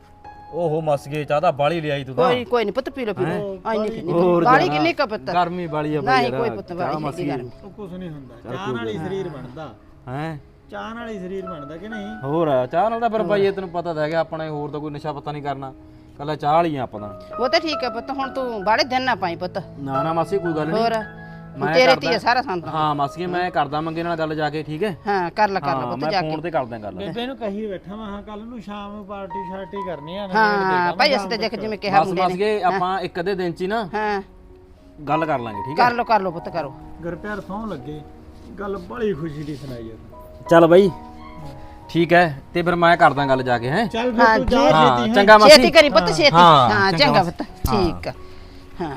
[SPEAKER 5] ਓਹੋ ਮਸ ਗਏ ਚਾਹ ਤਾਂ ਬਾਲੀ ਲਿਆਈ ਤੂੰ ਤਾਂ
[SPEAKER 3] ਕੋਈ ਕੋਈ ਨਹੀਂ ਪੁੱਤ ਪੀ ਲੋ ਪੀ ਲੋ ਆਈ ਨਹੀਂ ਪੀਣੀ
[SPEAKER 5] ਹੋਰ
[SPEAKER 3] ਬਾਲੀ
[SPEAKER 5] ਜ਼ਿਆਦਾ।
[SPEAKER 3] ਕਿੰਨੀ ਕੁ ਪੁੱਤ
[SPEAKER 5] ਗਰਮੀ ਬਾਲੀ ਆ ਬਈ
[SPEAKER 3] ਨਹੀਂ
[SPEAKER 5] ਯਾਰ,
[SPEAKER 3] ਕੋਈ ਪੁੱਤ
[SPEAKER 5] ਚਾਹ
[SPEAKER 3] ਬਾਲੀ
[SPEAKER 5] ਮਸ
[SPEAKER 3] ਹੈਗੀ
[SPEAKER 5] ਗਈ।
[SPEAKER 3] ਗਰਮ
[SPEAKER 6] ਉਹ ਕੁਛ ਨਹੀਂ ਹੁੰਦਾ ਚਾਹ ਨਾਲ ਹੀ ਸਰੀਰ ਬਣਦਾ
[SPEAKER 5] ਹੈਂ
[SPEAKER 6] ਚਾਹ ਨਾਲ ਹੀ ਸਰੀਰ ਬਣਦਾ ਕਿ ਨਹੀਂ
[SPEAKER 5] ਹੋਰ ਆ, ਚਾਹ ਨਾਲ ਤਾਂ ਫਿਰ ਬਾਈ ਇਹ ਤੈਨੂੰ ਪਤਾ ਤਾਂ ਹੈਗਾ ਆਪਣੇ ਹੋਰ ਤਾਂ ਕੋਈ ਨਸ਼ਾ ਪਤਾ ਨਹੀਂ ਕਰਨਾ ਕੱਲਾ ਚਾਹ ਵਾਲੀ ਆ ਆਪਾਂ ਤਾਂ
[SPEAKER 3] ਉਹ ਤਾਂ ਠੀਕ ਹੈ ਪੁੱਤ ਹੁਣ ਤੂੰ ਬਾੜੇ ਦਿਨ ਨਾ ਪਾਈ ਪੁੱਤ
[SPEAKER 5] ਨਾ ਨਾ ਮਾਸੀ ਕੋਈ ਗੱਲ ਨਹੀਂ
[SPEAKER 3] ਹੋਰ
[SPEAKER 5] ਮੈਂ
[SPEAKER 3] ਤੇਰੇ
[SPEAKER 5] ਕਰਦਾ-
[SPEAKER 3] ਤੇ ਹੀ ਆ ਸਾਰਾ ਸੰਤ
[SPEAKER 5] ਹਾਂ ਮਾਸੀ ਮੈਂ ਕਰਦਾ ਮੰਗੇ ਨਾਲ ਗੱਲ ਜਾ ਕੇ ਠੀਕ ਹੈ
[SPEAKER 3] ਹਾਂ ਕਰ ਲੈ ਕਰ ਲੈ
[SPEAKER 5] ਹਾਂ
[SPEAKER 3] ਪੁੱਤ
[SPEAKER 5] ਮੈਂ
[SPEAKER 3] ਜਾ
[SPEAKER 5] ਫੋਨ
[SPEAKER 3] ਕੇ
[SPEAKER 5] ਤੇ ਕਰਦਾ ਗੱਲ
[SPEAKER 6] ਬੇਬੇ ਨੂੰ ਕਹੀ ਬੈਠਾ ਮੈਂ ਹਾਂ ਕੱਲ ਨੂੰ ਸ਼ਾਮ ਨੂੰ ਪਾਰਟੀ ਸ਼ਾਰਟੀ ਕਰਨੀ ਆ
[SPEAKER 3] ਹਾਂ ਭਾਈ ਅਸੀਂ ਤਾਂ ਦੇਖ ਜਿਵੇਂ ਕਿਹਾ
[SPEAKER 5] ਬਸ
[SPEAKER 3] ਮੁੰਡੇ
[SPEAKER 5] ਬਸ
[SPEAKER 3] ਨੇ
[SPEAKER 5] ਕੇ ਆਪਾਂ ਇੱਕ ਅੱਧੇ ਦਿਨ ਚ ਹੀ ਨਾ
[SPEAKER 3] ਹਾਂ
[SPEAKER 5] ਗੱਲ ਕਰ ਲਾਂਗੇ ਠੀਕ ਹੈ
[SPEAKER 3] ਕਰ ਲੋ ਕਰ ਲੋ ਪੁੱਤ ਕਰੋ
[SPEAKER 6] ਗੁਰਪਿਆਰ ਸੌਂ ਲੱਗੇ ਗੱਲ ਬੜੀ ਖੁਸ਼ੀ ਦੀ ਸੁਣਾਈ ਯਾਰ
[SPEAKER 5] ਚੱਲ ਬਾਈ ਠੀਕ ਹੈ ਤੇ ਫਿਰ ਮੈਂ ਕਰਦਾ ਗੱਲ ਜਾ ਕੇ ਹੈ
[SPEAKER 6] ਚੱਲ ਫਿਰ ਤੂੰ ਜਾ
[SPEAKER 5] ਹਾਂ
[SPEAKER 6] ਛੇਤੀ
[SPEAKER 5] ਚੰਗਾ
[SPEAKER 3] ਛੇਤੀ
[SPEAKER 5] ਮਾਸੀ
[SPEAKER 3] ਕਰੀ ਪੁੱਤ ਛੇਤੀ
[SPEAKER 5] ਹਾਂ,
[SPEAKER 3] ਹਾਂ
[SPEAKER 5] ਚੰਗਾ
[SPEAKER 3] ਚੰਗਾ
[SPEAKER 5] ਬਸ।
[SPEAKER 3] ਪੁੱਤ ਠੀਕ ਆ ਹਾਂ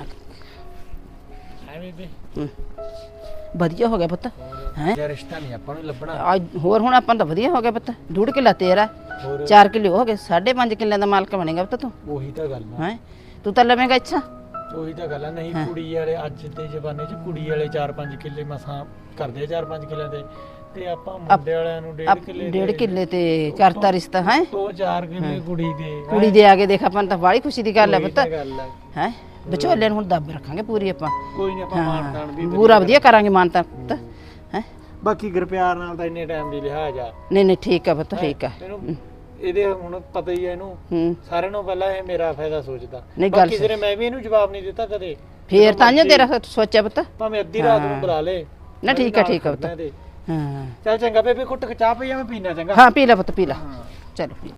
[SPEAKER 1] ਐ ਬੇਬੇ
[SPEAKER 3] ਹਮ। ਵਧੀਆ ਹੋ ਗਿਆ ਪੁੱਤ ਹੈ
[SPEAKER 6] ਇਹ ਰਿਸ਼ਤਾ ਨਹੀਂ ਆਪਾਂ ਨੂੰ ਲੱਭਣਾ
[SPEAKER 3] ਹੋਰ ਹੁਣ ਆਪਾਂ ਨੂੰ ਤਾਂ ਵਧੀਆ ਹੋ ਗਿਆ ਪੁੱਤ ਡੂਢ ਕਿੱਲਾ ਤੇਰਾ ਚਾਰ ਕਿੱਲੇ ਹੋ ਗਏ ਸਾਢੇ ਪੰਜ ਕਿੱਲਿਆਂ ਦਾ ਮਾਲਕ ਬਣੇਗਾ ਪੁੱਤ ਤੂੰ
[SPEAKER 6] ਉਹੀ ਤਾਂ ਗੱਲ ਆ
[SPEAKER 3] ਹੈ ਤੂੰ ਤਾਂ ਲਵੇਂਗਾ ਇੱਛਾ
[SPEAKER 6] ਉਹੀ ਤਾਂ ਗੱਲ ਆ ਨਹੀਂ ਕੁੜੀ ਵਾਲੇ ਅੱਜ ਦੇ ਜ਼ਮਾਨੇ 'ਚ ਕੁੜੀ ਵਾਲੇ ਚਾਰ ਪੰਜ ਕਿੱਲੇ ਮਸਾਂ ਕਰਦੇ ਆ ਚਾਰ ਪੰਜ ਕਿੱਲਿਆਂ ਦੇ ਤੇ ਆਪਾਂ ਮੁੰਡੇ ਵਾਲਿਆਂ ਨੂੰ ਡੇਢ ਕਿੱਲੇ
[SPEAKER 3] ਡੇਢ ਕਿੱਲੇ ਤੇ ਕਰਤਾ ਰਿਸ਼ਤਾ ਹੈ
[SPEAKER 6] ਦੋ ਚਾਰ ਕਿੱਲੇ ਕੁੜੀ ਦੇ
[SPEAKER 3] ਕੁੜੀ ਦੇ ਆ ਕੇ ਦੇਖ ਆਪਾਂ ਨੂੰ ਤਾਂ ਬੜੀ ਖੁਸ਼ੀ ਦੀ ਗੱਲ ਹੈ
[SPEAKER 6] ਉਹੀ
[SPEAKER 3] ਪੁੱਤ
[SPEAKER 6] ਤਾਂ ਗੱਲ ਆ
[SPEAKER 3] ਹੈ ਵਿਚੋਲੇ ਨੂੰ ਹੁਣ ਦੱਬ ਰੱਖਾਂਗੇ ਪੂਰੀ ਆਪਾਂ
[SPEAKER 6] ਕੋਈ ਨਹੀਂ ਆਪਾਂ ਮਾਨਤਾਨ ਵੀ
[SPEAKER 3] ਪੂਰਾ ਵਧੀਆ ਕਰਾਂਗੇ ਮਾਨਤਾ ਪੁੱਤ ਹੈ
[SPEAKER 6] ਬਾਕੀ ਗੁਰਪਿਆਰ ਨਾਲ ਤਾਂ ਇੰਨੇ ਟਾਈਮ ਦੀ ਲਿਹਾਜ਼ ਆ
[SPEAKER 3] ਨਹੀਂ ਨਹੀਂ ਠੀਕ ਆ ਪੁੱਤ ਠੀਕ ਆ
[SPEAKER 6] ਇਹਨੂੰ ਇਹਦੇ ਹੁਣ ਪਤਾ ਹੀ ਆ ਇਹਨੂੰ
[SPEAKER 3] ਹੂੰ
[SPEAKER 6] ਸਾਰਿਆਂ ਨੂੰ ਪਹਿਲਾਂ ਇਹ ਮੇਰਾ ਫਾਇਦਾ ਸੋਚਦਾ
[SPEAKER 3] ਨਹੀਂ, ਗੱਲ
[SPEAKER 6] ਬਾਕੀ ਸਿਰੇ ਮੈਂ ਵੀ ਇਹਨੂੰ ਜਵਾਬ ਨਹੀਂ ਦਿੱਤਾ ਕਦੇ
[SPEAKER 3] ਫੇਰ ਤਾਂ ਜੋ ਤੇਰਾ ਸੋਚਿਆ ਪੁੱਤ
[SPEAKER 6] ਭਾਵੇਂ ਅੱਧੀ ਰਾਤ ਨੂੰ ਬੁਲਾ ਲੇ
[SPEAKER 3] ਨਾ ਠੀਕ ਆ ਠੀਕ ਆ ਪੁੱਤ
[SPEAKER 6] ਇਹਦੇ।
[SPEAKER 3] ਹਾਂ
[SPEAKER 6] ਚੱਲ ਚੰਗਾ ਬੇਬੇ ਕੁੱਟ ਕੇ ਚਾਹ ਪਈ ਆ ਮੈਂ ਪੀਣਾ ਚੰਗਾ
[SPEAKER 3] ਹਾਂ ਪੀ ਲੈ ਪੁੱਤ ਪੀ ਲੈ ਚਲੋ ਪੀ ਲੈ।